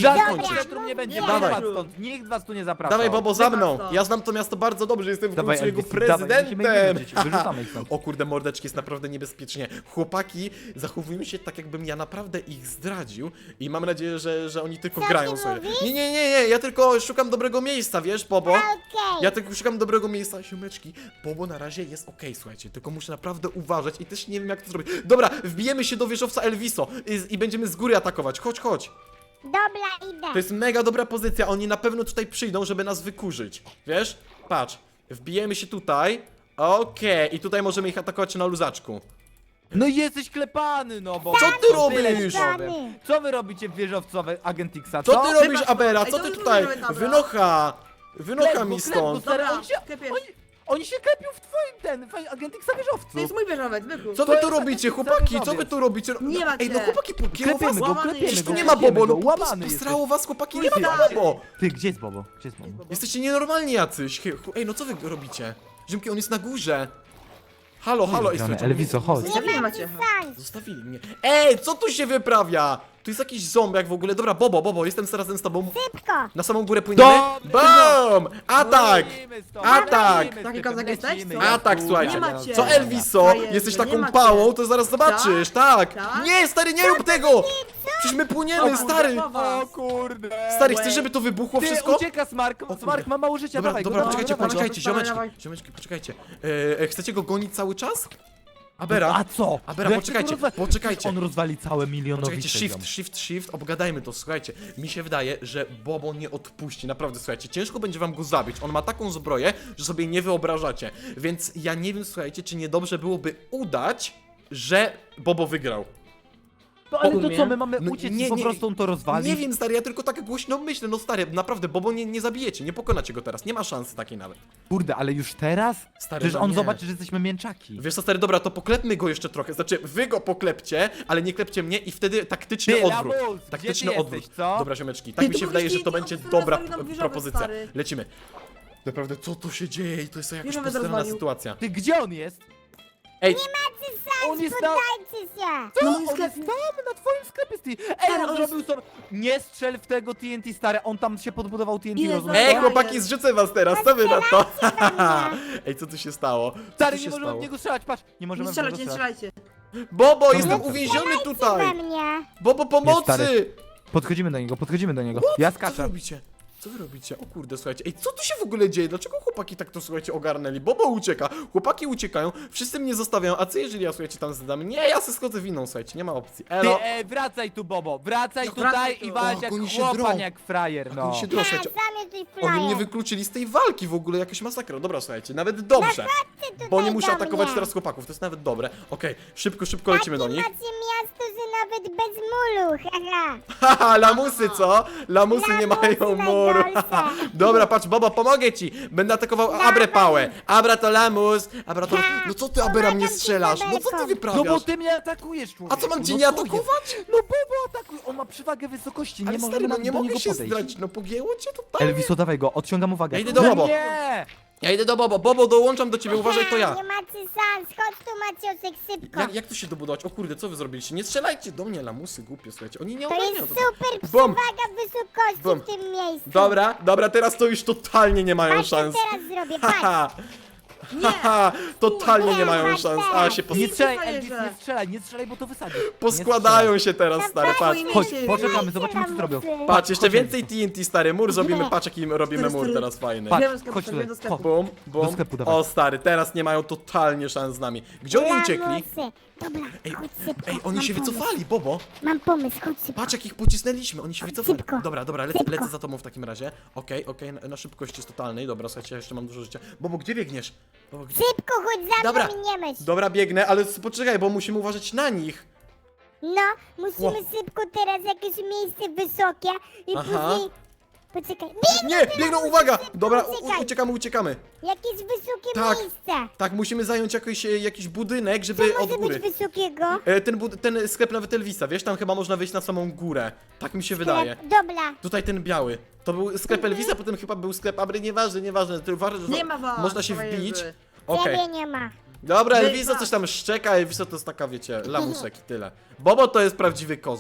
[SPEAKER 4] centrum nie będzie,
[SPEAKER 3] Nie
[SPEAKER 1] Dawaj.
[SPEAKER 4] was stąd, nikt was tu nie zapraszał.
[SPEAKER 1] Dawaj, Bobo, za mną!
[SPEAKER 3] Wypadł.
[SPEAKER 1] Ja znam to miasto bardzo dobrze, jestem w
[SPEAKER 4] Dawaj,
[SPEAKER 1] końcu jego
[SPEAKER 4] Elvis, dawaj, musimy ich
[SPEAKER 1] prezydentem!
[SPEAKER 4] wyrzucić, wyrzucamy ich stąd.
[SPEAKER 1] O kurde, mordeczki, jest naprawdę niebezpiecznie. Chłopaki zachowują się tak, jakbym ja naprawdę ich zdradził i mam nadzieję, że, że oni tylko
[SPEAKER 2] Co
[SPEAKER 1] grają
[SPEAKER 2] ty
[SPEAKER 1] sobie.
[SPEAKER 2] mówisz?
[SPEAKER 1] Nie, nie, nie, nie, ja tylko szukam dobrego miejsca, wiesz, Bobo?
[SPEAKER 2] Okej.
[SPEAKER 1] Ja tylko szukam dobrego miejsca, siomeczki. Bobo na razie jest okej, słuchajcie, tylko muszę naprawdę uważać i też nie wiem, jak to zrobić. Dobra, wbijemy się do wieżowca Elviso i, i będziemy z góry atakować. Chodź, chodź.
[SPEAKER 2] Dobra, idę.
[SPEAKER 1] To jest mega dobra pozycja, oni na pewno tutaj przyjdą, żeby nas wykurzyć. Wiesz? Patrz, wbijemy się tutaj. Okej, i tutaj możemy ich atakować na luzaczku.
[SPEAKER 4] No i jesteś klepany, no bo...
[SPEAKER 1] Co ty
[SPEAKER 4] Tyle
[SPEAKER 1] robisz?
[SPEAKER 4] ci powiem. Co wy robicie w wieżowcowe Agent Xa,
[SPEAKER 1] Co ty robisz,
[SPEAKER 3] Wybacz,
[SPEAKER 1] Abera?
[SPEAKER 3] ej,
[SPEAKER 1] Co
[SPEAKER 3] to
[SPEAKER 1] ty
[SPEAKER 3] już
[SPEAKER 1] tutaj?
[SPEAKER 3] mówimy, dobra.
[SPEAKER 1] Wynocha! Wynocha
[SPEAKER 4] Klep go,
[SPEAKER 1] mi
[SPEAKER 4] klep go,
[SPEAKER 1] stąd!
[SPEAKER 4] stary,
[SPEAKER 3] Dobra,
[SPEAKER 4] oni się,
[SPEAKER 3] klepiesz.
[SPEAKER 4] oni, oni się klepią w twoim ten, w Agent Xa wieżowcu.
[SPEAKER 3] To jest mój wieżowiec, wykup.
[SPEAKER 1] Co
[SPEAKER 4] To
[SPEAKER 1] wy tu
[SPEAKER 4] jest
[SPEAKER 1] robicie,
[SPEAKER 4] taki
[SPEAKER 1] chłopaki?
[SPEAKER 4] cały
[SPEAKER 1] Co wy
[SPEAKER 4] nowiec.
[SPEAKER 1] tu robicie?
[SPEAKER 3] Nie ma
[SPEAKER 1] Ej, no
[SPEAKER 3] cię.
[SPEAKER 1] chłopaki, pogięło was?
[SPEAKER 4] Klepiemy go,
[SPEAKER 3] Łamany
[SPEAKER 4] klepiemy
[SPEAKER 3] jesteś.
[SPEAKER 4] go.
[SPEAKER 1] Tu nie ma
[SPEAKER 4] klepiemy
[SPEAKER 1] Bobo,
[SPEAKER 4] go,
[SPEAKER 1] no
[SPEAKER 4] łamany
[SPEAKER 1] postrało was, chłopaki, nie
[SPEAKER 3] Ty,
[SPEAKER 1] ma
[SPEAKER 3] stary.
[SPEAKER 1] Bobo!
[SPEAKER 4] Ty, gdzie jest Bobo? Gdzie jest Bobo?
[SPEAKER 1] Jesteście nienormalni jacyś. Ej, Ej, no co wy robicie? Ziomki, on jest na górze. Halo, halo, ej,
[SPEAKER 4] Grane,
[SPEAKER 1] słuchajcie,
[SPEAKER 4] Elviso, chodź.
[SPEAKER 3] Nie
[SPEAKER 2] Nie
[SPEAKER 3] macie.
[SPEAKER 2] macie szans.
[SPEAKER 1] zostawili mnie. Ej, co tu się wyprawia? Tu jest jakiś zombiak w ogóle. Dobra, Bobo, Bobo, jestem razem z tobą.
[SPEAKER 2] Szybko.
[SPEAKER 1] Na samą górę płyniemy?
[SPEAKER 4] Dobra.
[SPEAKER 1] BOOM! Atak!
[SPEAKER 4] Lecimy stąd,
[SPEAKER 1] Atak!
[SPEAKER 4] lecimy z
[SPEAKER 3] Taki
[SPEAKER 4] tym,
[SPEAKER 3] kozak jesteś,
[SPEAKER 4] lecimy,
[SPEAKER 3] co?
[SPEAKER 4] ja
[SPEAKER 1] Atak,
[SPEAKER 4] tu,
[SPEAKER 1] słuchajcie.
[SPEAKER 3] Nie macie.
[SPEAKER 1] Co, Elviso?
[SPEAKER 3] Frajerze,
[SPEAKER 1] Jesteś
[SPEAKER 3] nie
[SPEAKER 1] taką
[SPEAKER 3] macie.
[SPEAKER 1] pałą, to zaraz zobaczysz, tak!
[SPEAKER 3] Tak?
[SPEAKER 1] Nie, stary, nie rób tego! Przecież my płyniemy,
[SPEAKER 3] O,
[SPEAKER 1] stary!
[SPEAKER 3] kurwa.
[SPEAKER 4] O kurde.
[SPEAKER 1] Stary, chcesz, żeby to wybuchło
[SPEAKER 4] Ty,
[SPEAKER 1] wszystko?
[SPEAKER 4] ucieka Smark,
[SPEAKER 1] kurde.
[SPEAKER 4] Smark ma mało życia,
[SPEAKER 1] Dobra,
[SPEAKER 4] dawaj
[SPEAKER 1] dobra,
[SPEAKER 4] go, dawaj
[SPEAKER 1] poczekajcie,
[SPEAKER 4] go, dawaj go.
[SPEAKER 1] poczekajcie,
[SPEAKER 3] Dawaj,
[SPEAKER 1] ziomeczki,
[SPEAKER 3] dawaj.
[SPEAKER 1] ziomeczki, poczekajcie. E, e, chcecie go gonić cały czas? Abera?
[SPEAKER 4] A co?
[SPEAKER 1] Abera,
[SPEAKER 4] No jak
[SPEAKER 1] poczekajcie,
[SPEAKER 4] ty to rozwa-
[SPEAKER 1] poczekajcie.
[SPEAKER 4] On rozwali całe milionowice.
[SPEAKER 1] Poczekajcie, shift, shift, shift, obgadajmy to, słuchajcie. Mi się wydaje, że Bobo nie odpuści, naprawdę, słuchajcie. Ciężko będzie wam go zabić. On ma taką zbroję, że sobie nie wyobrażacie. Więc ja nie wiem, słuchajcie, czy niedobrze byłoby udać, że Bobo wygrał.
[SPEAKER 4] No ale to
[SPEAKER 3] Umie.
[SPEAKER 4] co, my mamy
[SPEAKER 1] No,
[SPEAKER 4] uciec
[SPEAKER 1] nie,
[SPEAKER 4] i po
[SPEAKER 1] nie,
[SPEAKER 4] prostu on to rozwali?
[SPEAKER 1] Nie wiem, stary, ja tylko tak głośno myślę. No stary, naprawdę, Bobo nie, nie zabijecie, nie pokonacie go teraz. Nie ma szansy takiej nawet.
[SPEAKER 4] Kurde, ale już teraz?
[SPEAKER 1] Stary,
[SPEAKER 4] Przecież
[SPEAKER 1] no
[SPEAKER 4] on
[SPEAKER 1] nie.
[SPEAKER 4] zobaczy, że jesteśmy mięczaki.
[SPEAKER 1] Wiesz co, stary, dobra, to poklepmy go jeszcze trochę. Znaczy, wy go poklepcie, ale nie klepcie mnie i wtedy taktyczny
[SPEAKER 4] Ty,
[SPEAKER 1] odwrót.
[SPEAKER 4] Lamus, gdzie
[SPEAKER 1] Taktyczny
[SPEAKER 4] ty
[SPEAKER 1] odwrót.
[SPEAKER 4] jesteś, co?
[SPEAKER 1] Dobra, ziomeczki, tak
[SPEAKER 3] Ty,
[SPEAKER 1] mi
[SPEAKER 3] to
[SPEAKER 1] się wydaje, że to
[SPEAKER 3] powinniście
[SPEAKER 1] będzie
[SPEAKER 3] iść,
[SPEAKER 1] dobra
[SPEAKER 3] on zostawi nam
[SPEAKER 1] p-
[SPEAKER 3] wieżowiec,
[SPEAKER 1] propozycja.
[SPEAKER 3] stary.
[SPEAKER 1] Lecimy. Naprawdę, co tu się dzieje? To jest jakaś
[SPEAKER 3] Wieżowiec
[SPEAKER 1] postronna
[SPEAKER 3] rozwalił.
[SPEAKER 1] sytuacja.
[SPEAKER 4] Ty, gdzie on jest?
[SPEAKER 1] Ej,
[SPEAKER 4] On jest na...
[SPEAKER 2] Poddajcie się.
[SPEAKER 4] Co?
[SPEAKER 3] No,
[SPEAKER 4] On
[SPEAKER 3] sklep-
[SPEAKER 4] jest tam, na twoim sklepie, ty. Ej,
[SPEAKER 3] Stary,
[SPEAKER 4] on
[SPEAKER 3] on
[SPEAKER 4] zrobił sobie... Nie strzel w tego T N T, stary, on tam się podbudował T N T,
[SPEAKER 3] Ile
[SPEAKER 4] rozumiesz?
[SPEAKER 3] za-
[SPEAKER 1] ej,
[SPEAKER 3] Ej,
[SPEAKER 1] chłopaki, zrzucę was teraz, co wy na to?
[SPEAKER 2] mnie.
[SPEAKER 1] Ej, co tu się stało? Co
[SPEAKER 4] Stary,
[SPEAKER 1] tu
[SPEAKER 4] nie
[SPEAKER 1] się
[SPEAKER 4] możemy w
[SPEAKER 1] stało?
[SPEAKER 4] niego strzelać, patrz, nie możemy
[SPEAKER 3] Nie
[SPEAKER 4] w niego
[SPEAKER 3] strzelajcie, nie
[SPEAKER 4] strzelać.
[SPEAKER 3] strzelajcie.
[SPEAKER 1] Bobo, jestem
[SPEAKER 4] Dobra.
[SPEAKER 1] uwięziony
[SPEAKER 2] We
[SPEAKER 1] tutaj!
[SPEAKER 2] mnie.
[SPEAKER 1] Bobo,
[SPEAKER 4] Nie,
[SPEAKER 1] pomocy!
[SPEAKER 4] stary. Podchodzimy do niego, podchodzimy do niego. Ja
[SPEAKER 1] Co wy
[SPEAKER 4] skaczę.
[SPEAKER 1] robicie? Co wy robicie? O kurde, słuchajcie. Ej, co tu się w ogóle dzieje? Dlaczego chłopaki tak to, słuchajcie, ogarnęli? Bobo ucieka, chłopaki uciekają, wszyscy mnie zostawiają, a co jeżeli ja, słuchajcie, tam zdam? Nie, ja se schodzę w inną, słuchajcie, nie ma opcji.
[SPEAKER 4] Ty,
[SPEAKER 1] Elo!
[SPEAKER 4] e, wracaj tu, Bobo, wracaj
[SPEAKER 3] No,
[SPEAKER 4] tutaj
[SPEAKER 3] wracaj tu.
[SPEAKER 4] i walcz
[SPEAKER 1] O,
[SPEAKER 4] jak
[SPEAKER 1] oni się
[SPEAKER 4] chłopan,
[SPEAKER 1] drą.
[SPEAKER 4] jak frajer, no.
[SPEAKER 1] Oni się drą,
[SPEAKER 2] Ha,
[SPEAKER 1] słuchajcie.
[SPEAKER 2] sam jesteś
[SPEAKER 1] Oni mnie
[SPEAKER 2] frajer.
[SPEAKER 1] wykluczyli z tej walki w ogóle, jakaś masakra. Dobra, słuchajcie, nawet dobrze.
[SPEAKER 2] Ty tutaj
[SPEAKER 1] Bo nie muszę
[SPEAKER 2] do
[SPEAKER 1] atakować
[SPEAKER 2] mnie.
[SPEAKER 1] teraz chłopaków, to jest nawet dobre. Okej, szybko, szybko lecimy do
[SPEAKER 2] Takie
[SPEAKER 1] nich.
[SPEAKER 2] macie miasto, że nawet bez mulu, haha.
[SPEAKER 1] Haha, lamusy, co? Lamusy nie
[SPEAKER 2] Lamusy
[SPEAKER 1] mają muru.
[SPEAKER 2] najgorsze.
[SPEAKER 1] Dobra, patrz, Bobo, pomogę ci. Będę atakował Abrę pałę. Abra to lamus. Abra to...
[SPEAKER 2] Tak,
[SPEAKER 1] No co ty, Abera, mnie
[SPEAKER 2] pomagam ci
[SPEAKER 1] strzelasz? No co ty
[SPEAKER 2] Zabelką.
[SPEAKER 4] No
[SPEAKER 1] wyprawiasz?
[SPEAKER 4] bo ty mnie atakujesz, człowieku.
[SPEAKER 1] A co, mam cię
[SPEAKER 4] no
[SPEAKER 1] nie
[SPEAKER 4] co jest?
[SPEAKER 1] atakować?
[SPEAKER 4] No Bobo atakuj, on ma przewagę wysokości, nie
[SPEAKER 1] Ale
[SPEAKER 4] możemy
[SPEAKER 1] stary, no
[SPEAKER 4] na-
[SPEAKER 1] nie
[SPEAKER 4] do
[SPEAKER 1] mogę
[SPEAKER 4] niego
[SPEAKER 1] się
[SPEAKER 4] podejść.
[SPEAKER 1] zdradzić, no pogięło cię totalnie.
[SPEAKER 4] Elviso, dawaj go, odciągam uwagę.
[SPEAKER 1] Ja idę do
[SPEAKER 4] No
[SPEAKER 1] Bobo.
[SPEAKER 4] Nie!
[SPEAKER 1] Ja idę do Bobo. Bobo, dołączam do ciebie, uważaj, to ja.
[SPEAKER 2] Nie macie szans, chodź tu Maciosek, szybko.
[SPEAKER 1] Jak, jak tu się dobudować? O kurde, co wy zrobiliście? Nie strzelajcie do mnie, lamusy głupie, słuchajcie. Oni nie
[SPEAKER 2] To
[SPEAKER 1] ogarniają
[SPEAKER 2] jest
[SPEAKER 1] to.
[SPEAKER 2] super
[SPEAKER 1] Bum.
[SPEAKER 2] przewaga wysokości
[SPEAKER 1] Bum.
[SPEAKER 2] w tym miejscu.
[SPEAKER 1] Dobra, dobra, teraz to już totalnie nie mają
[SPEAKER 2] Patrz, co
[SPEAKER 1] szans.
[SPEAKER 2] teraz zrobię, patrz.
[SPEAKER 1] Haha, haha, totalnie nie mają
[SPEAKER 2] patrz
[SPEAKER 1] szans. A,
[SPEAKER 2] teraz.
[SPEAKER 1] się pos
[SPEAKER 4] Nie strzelaj,
[SPEAKER 3] frajerze.
[SPEAKER 4] Elvis, nie strzelaj, nie strzelaj, bo to wysadzi. Nie
[SPEAKER 1] poskładają się teraz, stare, patrz.
[SPEAKER 3] Dawaj,
[SPEAKER 4] Chodź,
[SPEAKER 3] Misiek.
[SPEAKER 4] poczekamy, zobaczymy co zrobią.
[SPEAKER 2] Lamusy.
[SPEAKER 1] Patrz, jeszcze
[SPEAKER 4] Chodź,
[SPEAKER 1] więcej T N T, stary, mur zrobimy,
[SPEAKER 2] Nie.
[SPEAKER 1] patrz jaki robimy
[SPEAKER 3] Stary,
[SPEAKER 1] mur
[SPEAKER 3] stary.
[SPEAKER 1] teraz fajny.
[SPEAKER 4] Patrz,
[SPEAKER 3] Wiem, do sklepu,
[SPEAKER 4] chodź
[SPEAKER 3] wiem,
[SPEAKER 4] tutaj.
[SPEAKER 3] do sklepu.
[SPEAKER 1] Bum, bum.
[SPEAKER 4] Do sklepu dawaj.
[SPEAKER 1] O stary, teraz nie mają totalnie szans z nami. Gdzie oni uciekli?
[SPEAKER 2] Lamusy. Dobra,
[SPEAKER 1] Ej,
[SPEAKER 2] chodź szybko.
[SPEAKER 1] ej, oni
[SPEAKER 2] mam
[SPEAKER 1] się
[SPEAKER 2] pomysł.
[SPEAKER 1] wycofali, Bobo.
[SPEAKER 2] Mam pomysł, chodź szybko.
[SPEAKER 1] Patrz jak ich pocisnęliśmy, oni się wycofali.
[SPEAKER 2] Szybko.
[SPEAKER 1] Dobra, dobra, lecę,
[SPEAKER 2] Szybko.
[SPEAKER 1] lecę za tobą w takim razie. Okej, okej, na, na szybkości jest totalnej. Dobra, słuchajcie, ja jeszcze mam dużo życia. Bobo, gdzie biegniesz? Bobo, gdzie...
[SPEAKER 2] Szybko, chodź za
[SPEAKER 1] Dobra.
[SPEAKER 2] mną i nie myśl.
[SPEAKER 1] Dobra, biegnę, ale s- poczekaj, bo musimy uważać na nich.
[SPEAKER 2] No, musimy
[SPEAKER 1] Ło.
[SPEAKER 2] szybko teraz jakieś miejsce wysokie i
[SPEAKER 1] Aha.
[SPEAKER 2] później... Poczekaj, biegną
[SPEAKER 1] Nie,
[SPEAKER 2] teraz,
[SPEAKER 1] biegną,
[SPEAKER 2] musimy
[SPEAKER 1] uwaga!
[SPEAKER 2] szybko
[SPEAKER 1] Dobra, u,
[SPEAKER 2] uciekać.
[SPEAKER 1] uciekamy, uciekamy.
[SPEAKER 2] Jakieś wysokie
[SPEAKER 1] Tak.
[SPEAKER 2] miejsce.
[SPEAKER 1] Tak, musimy zająć jakiś, e, jakiś budynek,
[SPEAKER 2] Co
[SPEAKER 1] żeby od
[SPEAKER 2] może
[SPEAKER 1] góry.
[SPEAKER 2] być wysokiego?
[SPEAKER 1] E, ten, bud- ten sklep nawet Elvisa, wiesz, tam chyba można wejść na samą górę. Tak mi się wydaje.
[SPEAKER 2] Dobra.
[SPEAKER 1] Tutaj ten biały. To był sklep
[SPEAKER 2] Mhm.
[SPEAKER 1] Elvisa, potem chyba był sklep Abry, nieważne, nieważne. To uważaj, że
[SPEAKER 3] Nie ma was,
[SPEAKER 1] można się
[SPEAKER 3] frajerzy.
[SPEAKER 1] wbić. Okej.
[SPEAKER 2] Ciebie nie ma.
[SPEAKER 1] Dobra,
[SPEAKER 3] Nie
[SPEAKER 1] Elviso
[SPEAKER 3] ma.
[SPEAKER 1] coś tam szczeka, Elviso to jest taka, wiecie, lamusek i tyle. Bobo to jest prawdziwy kozak.
[SPEAKER 2] Tak,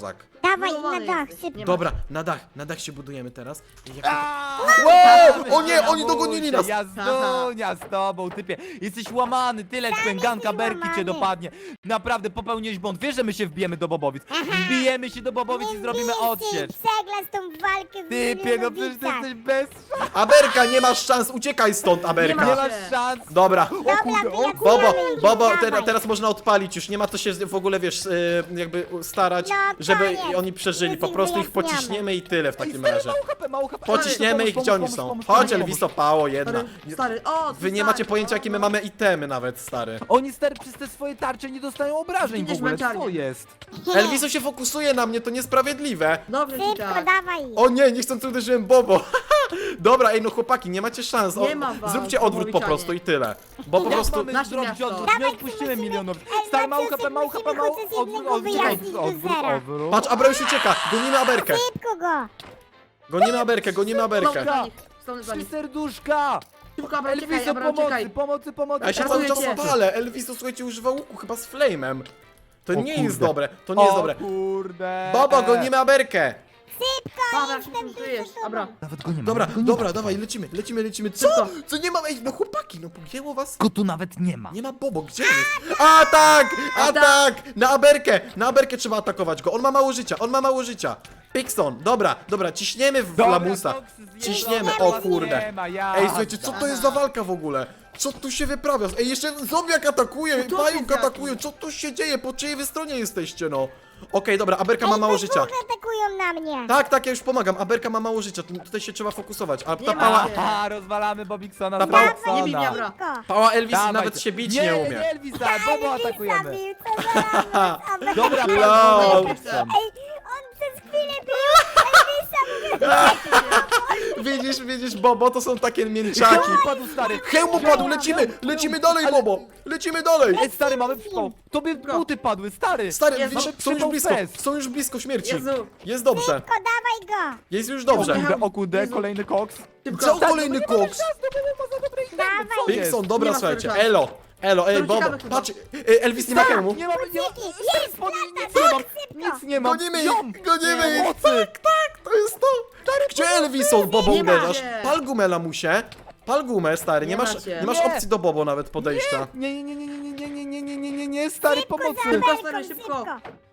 [SPEAKER 2] Dawaj na
[SPEAKER 3] Zbudowany
[SPEAKER 2] dach,
[SPEAKER 3] jesteś.
[SPEAKER 2] szybko.
[SPEAKER 3] Nie ma.
[SPEAKER 1] Dobra, na dach, na dach się budujemy teraz. I jak...
[SPEAKER 4] Aaaa!
[SPEAKER 1] Wow! O nie, oni dogonili nas!
[SPEAKER 4] Jazdunia z tobą, typie. Jesteś łamany, tyle pęganka berki cię
[SPEAKER 2] łamany.
[SPEAKER 4] dopadnie. Naprawdę, popełniłeś błąd. Wiesz, że my się wbijemy do Bobowic. Wbijemy się do Bobowic i zrobimy odsiecz.
[SPEAKER 2] Przeglas tą walkę w
[SPEAKER 4] Typie, no przecież ty
[SPEAKER 2] Milionowicach.
[SPEAKER 4] jesteś bez szans.
[SPEAKER 1] Aberka, nie masz szans, uciekaj stąd,
[SPEAKER 3] Nie
[SPEAKER 1] Aberka.
[SPEAKER 3] ma.
[SPEAKER 4] Nie masz szans.
[SPEAKER 1] Dobra.
[SPEAKER 4] O kurde, o kurde.
[SPEAKER 1] Bobo,
[SPEAKER 2] Dawaj,
[SPEAKER 1] Bobo,
[SPEAKER 2] dawaj.
[SPEAKER 1] te, teraz można odpalić już, nie ma co się w ogóle, wiesz, y, jakby starać,
[SPEAKER 2] No,
[SPEAKER 1] żeby
[SPEAKER 2] koniec.
[SPEAKER 1] oni przeżyli, po
[SPEAKER 2] Już
[SPEAKER 1] prostu ich
[SPEAKER 2] ich wyjaśniamy.
[SPEAKER 1] pociśniemy i tyle w
[SPEAKER 4] Ej,
[SPEAKER 1] takim
[SPEAKER 4] stary,
[SPEAKER 1] razie.
[SPEAKER 4] mało H P, mało H P.
[SPEAKER 1] Pociśniemy ich,
[SPEAKER 4] Pomóż,
[SPEAKER 1] gdzie oni
[SPEAKER 4] pomóż,
[SPEAKER 1] są.
[SPEAKER 4] pomóż,
[SPEAKER 1] Chodź,
[SPEAKER 4] pomóż,
[SPEAKER 1] Elviso,
[SPEAKER 4] pomóż.
[SPEAKER 1] pało jedna.
[SPEAKER 3] Stary, stary, o,
[SPEAKER 1] Wy nie macie pojęcia, jakie my mamy itemy nawet, stary.
[SPEAKER 4] Oni, stary, przez te swoje tarcze nie dostają obrażeń w
[SPEAKER 3] Widzisz,
[SPEAKER 4] ogóle.
[SPEAKER 3] męczarnię.
[SPEAKER 4] Co jest?
[SPEAKER 1] Elviso się fokusuje na mnie, to niesprawiedliwe.
[SPEAKER 3] Dobrze ci
[SPEAKER 2] Szybko,
[SPEAKER 3] tak.
[SPEAKER 2] dawaj.
[SPEAKER 1] O nie, niechcący uderzyłem Bobo. Dobra, ej, no chłopaki, nie macie szans. O,
[SPEAKER 3] Nie ma was,
[SPEAKER 1] zróbcie odwrót po
[SPEAKER 3] Bobowiczanie.
[SPEAKER 1] prostu i tyle. Bo po
[SPEAKER 4] Jak
[SPEAKER 1] prostu...
[SPEAKER 4] mamy
[SPEAKER 3] Nasze
[SPEAKER 4] zrobić
[SPEAKER 3] miasto.
[SPEAKER 4] odwrót? Nie
[SPEAKER 2] Dawaj,
[SPEAKER 4] odpuścimy
[SPEAKER 2] musimy-
[SPEAKER 4] milionów.
[SPEAKER 2] Ej,
[SPEAKER 4] Stary, mało
[SPEAKER 2] Maciusiek,
[SPEAKER 4] H P, mało H P,
[SPEAKER 2] musimy
[SPEAKER 4] mało
[SPEAKER 2] chociaż
[SPEAKER 4] odwrót,
[SPEAKER 2] jednego
[SPEAKER 4] odwrót,
[SPEAKER 2] wyjaśnić
[SPEAKER 4] odwrót,
[SPEAKER 2] do
[SPEAKER 4] odwrót,
[SPEAKER 2] zera.
[SPEAKER 4] odwrót.
[SPEAKER 1] Patrz, Abra już ucieka, gonimy Aberkę.
[SPEAKER 2] Szybko go.
[SPEAKER 1] Gonimy Aberkę, gonimy Aberkę.
[SPEAKER 3] Dobra. Stąd za
[SPEAKER 4] Trzy
[SPEAKER 3] nich.
[SPEAKER 4] serduszka!
[SPEAKER 3] Szybko, Abra, uciekaj,
[SPEAKER 4] Elviso,
[SPEAKER 3] Abra,
[SPEAKER 4] pomocy,
[SPEAKER 3] uciekaj.
[SPEAKER 4] pomocy, pomocy.
[SPEAKER 1] Ja się
[SPEAKER 3] Ratuję
[SPEAKER 1] cały czas
[SPEAKER 3] cię.
[SPEAKER 1] palę. Elviso, słuchajcie, używa łuku chyba z flamem. To
[SPEAKER 4] O
[SPEAKER 1] nie jest
[SPEAKER 4] kurde.
[SPEAKER 1] dobre, to nie jest
[SPEAKER 4] O
[SPEAKER 1] dobre.
[SPEAKER 4] kurde.
[SPEAKER 1] Bobo, gonimy Aberkę.
[SPEAKER 3] Abra,
[SPEAKER 2] Jestem
[SPEAKER 3] szybko tu jest.
[SPEAKER 2] tu z
[SPEAKER 3] Abra.
[SPEAKER 2] tobą.
[SPEAKER 4] Nawet go nie ma.
[SPEAKER 1] Dobra,
[SPEAKER 4] nawet go nie ma.
[SPEAKER 1] dobra, dawaj, lecimy, lecimy, lecimy. Co?
[SPEAKER 3] Szybko.
[SPEAKER 1] Co nie ma? Ej, no chłopaki, no pogięło was?
[SPEAKER 4] Go tu nawet nie ma.
[SPEAKER 1] Nie ma Bobo, gdzie jest? A tak! A tak! Na Aberkę! Na Aberkę trzeba atakować go. On ma mało życia, on ma mało życia. Pixon, dobra, dobra, ciśniemy w
[SPEAKER 4] Dobra,
[SPEAKER 1] lamusa.
[SPEAKER 4] Fox, zjebał.
[SPEAKER 1] Ciśniemy,
[SPEAKER 2] Nie
[SPEAKER 1] o
[SPEAKER 2] ma,
[SPEAKER 1] kurde.
[SPEAKER 4] nie ma, ja.
[SPEAKER 1] Ej, słuchajcie, co to jest za walka w ogóle? Co tu się wyprawia? Ej, jeszcze zombiak atakuje,
[SPEAKER 3] to
[SPEAKER 1] pająk
[SPEAKER 3] jest
[SPEAKER 1] atakuje, co tu się dzieje? Po czyjej wy stronie jesteście, no? Okej, dobra, Aberka ma
[SPEAKER 2] Ej,
[SPEAKER 1] mało
[SPEAKER 2] we
[SPEAKER 1] życia.
[SPEAKER 2] dwóch atakują na mnie.
[SPEAKER 1] Tak, tak, ja już pomagam. Aberka ma mało życia, tu- tutaj się trzeba fokusować. A ta
[SPEAKER 3] Nie ma.
[SPEAKER 1] pała,
[SPEAKER 4] Aha, rozwalamy Bobiksona
[SPEAKER 1] Ta
[SPEAKER 4] z
[SPEAKER 1] pała-
[SPEAKER 4] Roxona.
[SPEAKER 3] Nie bij mnie, Abra.
[SPEAKER 2] Szybko.
[SPEAKER 1] pała Elvis
[SPEAKER 4] Dawaj,
[SPEAKER 1] nawet
[SPEAKER 4] to-
[SPEAKER 1] się bić
[SPEAKER 4] nie,
[SPEAKER 1] nie
[SPEAKER 4] Nie,
[SPEAKER 1] umie.
[SPEAKER 4] nie, Elvisa, Bobo atakujemy.
[SPEAKER 2] Zabił, co za lamus.
[SPEAKER 4] Dobra,
[SPEAKER 1] Lol.
[SPEAKER 4] Bobo,
[SPEAKER 3] Ej,
[SPEAKER 4] Bobikson.
[SPEAKER 2] Ej, on przez chwilę był. Elvisa, mówię,
[SPEAKER 1] Widzisz, widzisz, Bobo, to są takie mięczaki.
[SPEAKER 4] Hełm padł, stary.
[SPEAKER 1] Hełm upadł, lecimy, lecimy dalej,
[SPEAKER 4] Ale-
[SPEAKER 1] Bobo. Lecimy dalej.
[SPEAKER 4] Ej, stary, mamy przypał. Tobie buty padły, stary.
[SPEAKER 1] Stary,
[SPEAKER 3] Jezu,
[SPEAKER 1] widzisz,
[SPEAKER 4] mamy
[SPEAKER 1] są już
[SPEAKER 4] przypał
[SPEAKER 1] blisko,
[SPEAKER 4] fest.
[SPEAKER 1] są już blisko śmierci.
[SPEAKER 3] Jezu.
[SPEAKER 1] Jest dobrze,
[SPEAKER 2] szybko, dawaj go.
[SPEAKER 1] jest już
[SPEAKER 4] O
[SPEAKER 1] dobrze.
[SPEAKER 4] kurde, o kurde,
[SPEAKER 3] Jezu.
[SPEAKER 4] kolejny koks.
[SPEAKER 3] Szybko.
[SPEAKER 1] Co
[SPEAKER 4] Tak,
[SPEAKER 1] kolejny
[SPEAKER 4] no bo nie mamy
[SPEAKER 1] koks?
[SPEAKER 4] czasu, bo ma za dobre itemy,
[SPEAKER 2] Dawaj.
[SPEAKER 4] co jest?
[SPEAKER 1] Pixon,
[SPEAKER 3] Nie
[SPEAKER 1] dobra,
[SPEAKER 3] ma
[SPEAKER 1] słuchajcie,
[SPEAKER 3] serca.
[SPEAKER 1] elo, elo, ej,
[SPEAKER 3] To
[SPEAKER 1] Bobo,
[SPEAKER 3] uciekamy chyba.
[SPEAKER 1] patrz, e, Elvis nie ma hełmu.
[SPEAKER 4] Nie mamy, nie ma,
[SPEAKER 2] Jest,
[SPEAKER 4] spodni,
[SPEAKER 2] lata,
[SPEAKER 4] nic nie mam,
[SPEAKER 2] szybko.
[SPEAKER 4] nic nie mam.
[SPEAKER 1] Gonimy
[SPEAKER 4] Ziom.
[SPEAKER 1] ich, gonimy
[SPEAKER 4] Nie,
[SPEAKER 1] ich,
[SPEAKER 4] mocy.
[SPEAKER 1] tak, tak, to jest to. Gdzie Elvis są, Bobo
[SPEAKER 3] Nie ma
[SPEAKER 1] uderzasz?
[SPEAKER 3] cię.
[SPEAKER 1] Pal gumę, lamusie. Pal gumę, stary, nie
[SPEAKER 3] Nie
[SPEAKER 1] masz,
[SPEAKER 3] macie.
[SPEAKER 1] nie masz
[SPEAKER 4] Nie.
[SPEAKER 1] opcji do Bobo nawet podejścia.
[SPEAKER 4] Nie, nie, nie, nie, nie, nie, nie, nie, nie, nie, nie, nie, stary,
[SPEAKER 2] Szybko
[SPEAKER 4] pomocy.
[SPEAKER 2] za
[SPEAKER 3] Szybko,
[SPEAKER 2] Amerką,
[SPEAKER 3] stary, szybko.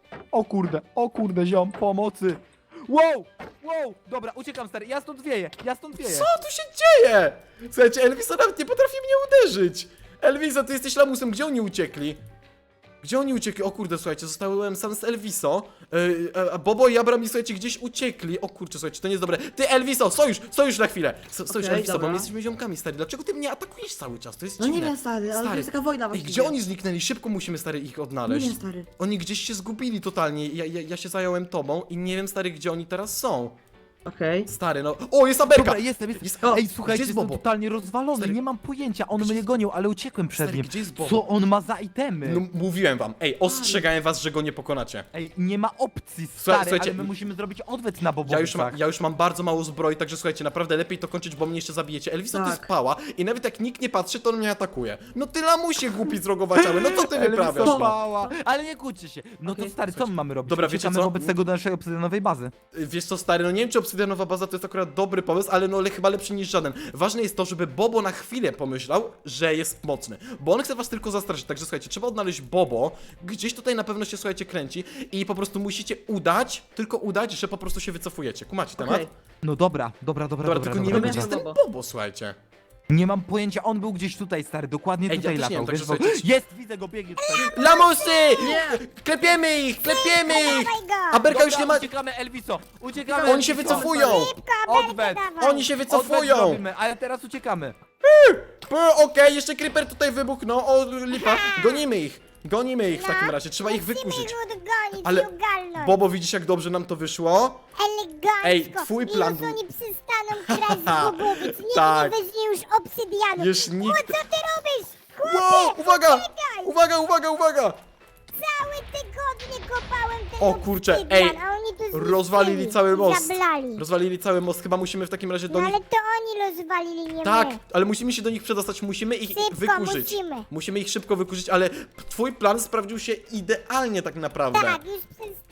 [SPEAKER 4] O kurde, o kurde, ziom, pomocy. Wow, wow, dobra, uciekam, stary, ja stąd wieję, ja stąd wieję.
[SPEAKER 1] Co tu się dzieje? Słuchajcie, Elvisa nawet nie potrafi mnie uderzyć. Elvisa, ty jesteś lamusem, gdzie oni uciekli? Gdzie oni uciekli? O kurde, słuchajcie, zostałem sam z Elviso. Yy, a Bobo i Abram, słuchajcie, gdzieś uciekli. O kurczę, słuchajcie, to nie jest dobre. Ty, Elviso, sojusz, sojusz na chwilę. So, sojusz,
[SPEAKER 3] Okej,
[SPEAKER 1] Elviso, bo
[SPEAKER 3] dobra.
[SPEAKER 1] my jesteśmy ziomkami, stary. Dlaczego ty mnie atakujesz cały czas? To jest
[SPEAKER 3] No nie
[SPEAKER 1] dziwne.
[SPEAKER 3] wiem, stary, ale to jest taka wojna
[SPEAKER 1] Ej,
[SPEAKER 3] właściwie.
[SPEAKER 1] gdzie oni zniknęli? Szybko musimy, stary, ich odnaleźć.
[SPEAKER 3] Nie wiem, stary.
[SPEAKER 1] Oni gdzieś się zgubili totalnie. Ja, ja, ja się zająłem tobą i nie wiem, stary, gdzie oni teraz są.
[SPEAKER 3] Okej.
[SPEAKER 1] Stary, no. O, jest Aberka!
[SPEAKER 4] Dobra, jestem, jestem.
[SPEAKER 1] Jest- o,
[SPEAKER 4] Ej,
[SPEAKER 1] gdzie
[SPEAKER 4] słuchajcie,
[SPEAKER 1] jest
[SPEAKER 4] jestem
[SPEAKER 1] Bobo?
[SPEAKER 4] totalnie rozwalony,
[SPEAKER 1] Stary,
[SPEAKER 4] nie mam pojęcia, on
[SPEAKER 1] gdzie
[SPEAKER 4] mnie
[SPEAKER 1] jest-
[SPEAKER 4] gonił, ale uciekłem przed
[SPEAKER 1] Stary,
[SPEAKER 4] nim.
[SPEAKER 1] gdzie jest Bobo?
[SPEAKER 4] Co on ma za itemy?
[SPEAKER 1] No, mówiłem wam. Ej, ostrzegałem was, że go nie pokonacie.
[SPEAKER 4] Ej, nie ma opcji,
[SPEAKER 1] Słuchaj-
[SPEAKER 4] stary,
[SPEAKER 1] słuchajcie,
[SPEAKER 4] ale my musimy zrobić odwet na
[SPEAKER 1] Ja
[SPEAKER 4] Bobowicach.
[SPEAKER 1] już, ma, ja już mam bardzo mało zbroi, także słuchajcie, naprawdę lepiej to kończyć, bo mnie jeszcze zabijecie. Elvisa to
[SPEAKER 3] Tak.
[SPEAKER 1] jest pała i nawet jak nikt nie patrzy, to on mnie atakuje. No ty lamusie głupi zrogowaciały, no co ty wyprawiasz,
[SPEAKER 4] Elviso
[SPEAKER 1] no?
[SPEAKER 4] pała. Ale nie kłóćcie się. No to
[SPEAKER 3] Okej,
[SPEAKER 4] stary, co my mamy robić?
[SPEAKER 1] Dobra, wiecie
[SPEAKER 4] Uciekamy
[SPEAKER 1] co?
[SPEAKER 4] wobec tego do naszej obsydianowej bazy.
[SPEAKER 1] Wiesz co, stary, no nie wiem, czy obsydianowa baza to jest akurat dobry pomysł, ale no ale chyba lepszy niż żaden. Ważne jest to, żeby Bobo na chwilę pomyślał, że jest mocny, bo on chce was tylko zastraszyć, także słuchajcie, trzeba odnaleźć Bobo, gdzieś tutaj na pewno się, słuchajcie, kręci i po prostu musicie udać, tylko udać, że po prostu się wycofujecie. Kumacie temat?
[SPEAKER 3] Okej.
[SPEAKER 4] No dobra, dobra, dobra,
[SPEAKER 1] Dobra,
[SPEAKER 4] dobra,
[SPEAKER 1] tylko nie
[SPEAKER 4] dobra,
[SPEAKER 1] wiem, gdzie
[SPEAKER 4] dobra.
[SPEAKER 1] jest ten
[SPEAKER 3] Bobo.
[SPEAKER 1] Bobo, słuchajcie.
[SPEAKER 4] Nie mam pojęcia, on był gdzieś tutaj, stary, dokładnie
[SPEAKER 1] Ej, ja
[SPEAKER 4] tutaj
[SPEAKER 1] też nie
[SPEAKER 4] latał.
[SPEAKER 1] wiem,
[SPEAKER 4] wiesz,
[SPEAKER 1] także
[SPEAKER 4] bo...
[SPEAKER 1] słuchajcie-
[SPEAKER 4] Jest, widzę go, biegnie tutaj.
[SPEAKER 1] Lamusy!
[SPEAKER 3] Nie!
[SPEAKER 1] Klepiemy ich, klepiemy ich!
[SPEAKER 2] Dawaj go.
[SPEAKER 1] Aberka już
[SPEAKER 4] Dobra,
[SPEAKER 1] nie ma...
[SPEAKER 4] uciekamy, Elviso, uciekamy.
[SPEAKER 1] Oni się
[SPEAKER 4] Elviso.
[SPEAKER 1] wycofują!
[SPEAKER 2] Szybko, Amerkę
[SPEAKER 4] Odwet.
[SPEAKER 2] dawaj.
[SPEAKER 1] Oni się
[SPEAKER 4] Odwet
[SPEAKER 1] wycofują!
[SPEAKER 4] zrobimy, ale teraz uciekamy.
[SPEAKER 1] P, Okej, jeszcze Creeper tutaj wybuchnął, o lipa. Gonimy ich, gonimy ich w takim razie, trzeba ich
[SPEAKER 2] Musimy
[SPEAKER 1] wykurzyć.
[SPEAKER 2] ich odgonić
[SPEAKER 1] Ale-
[SPEAKER 2] i ogarnąć.
[SPEAKER 1] Bobo, widzisz jak dobrze nam to wyszło?
[SPEAKER 2] Elegancko.
[SPEAKER 1] Ej, twój plan
[SPEAKER 2] I
[SPEAKER 1] był-
[SPEAKER 2] już oni przestaną kraść z Bobowic. Nikt
[SPEAKER 1] Tak.
[SPEAKER 2] nie weźmie już obsydianu.
[SPEAKER 1] Już
[SPEAKER 2] O,
[SPEAKER 1] nikt...
[SPEAKER 2] co ty robisz? Chłopie,
[SPEAKER 1] Wow, uwaga!
[SPEAKER 2] uciekaj.
[SPEAKER 1] Uwaga, uwaga, uwaga!
[SPEAKER 2] Całe tygodnie kopałem ten
[SPEAKER 1] O kurczę,
[SPEAKER 2] obsydian,
[SPEAKER 1] ej,
[SPEAKER 2] a oni tu zniszczyli
[SPEAKER 1] rozwalili cały
[SPEAKER 2] i
[SPEAKER 1] most.
[SPEAKER 2] Zablali.
[SPEAKER 1] Rozwalili cały most, chyba musimy w takim razie do
[SPEAKER 2] No
[SPEAKER 1] nich...
[SPEAKER 2] ale to oni rozwalili, nie
[SPEAKER 1] Tak,
[SPEAKER 2] my.
[SPEAKER 1] ale musimy się do nich przedostać, musimy ich
[SPEAKER 2] Szybko,
[SPEAKER 1] wykurzyć.
[SPEAKER 2] musimy.
[SPEAKER 1] Musimy ich szybko wykurzyć, ale twój plan sprawdził się idealnie tak naprawdę.
[SPEAKER 2] Tak, już przestaną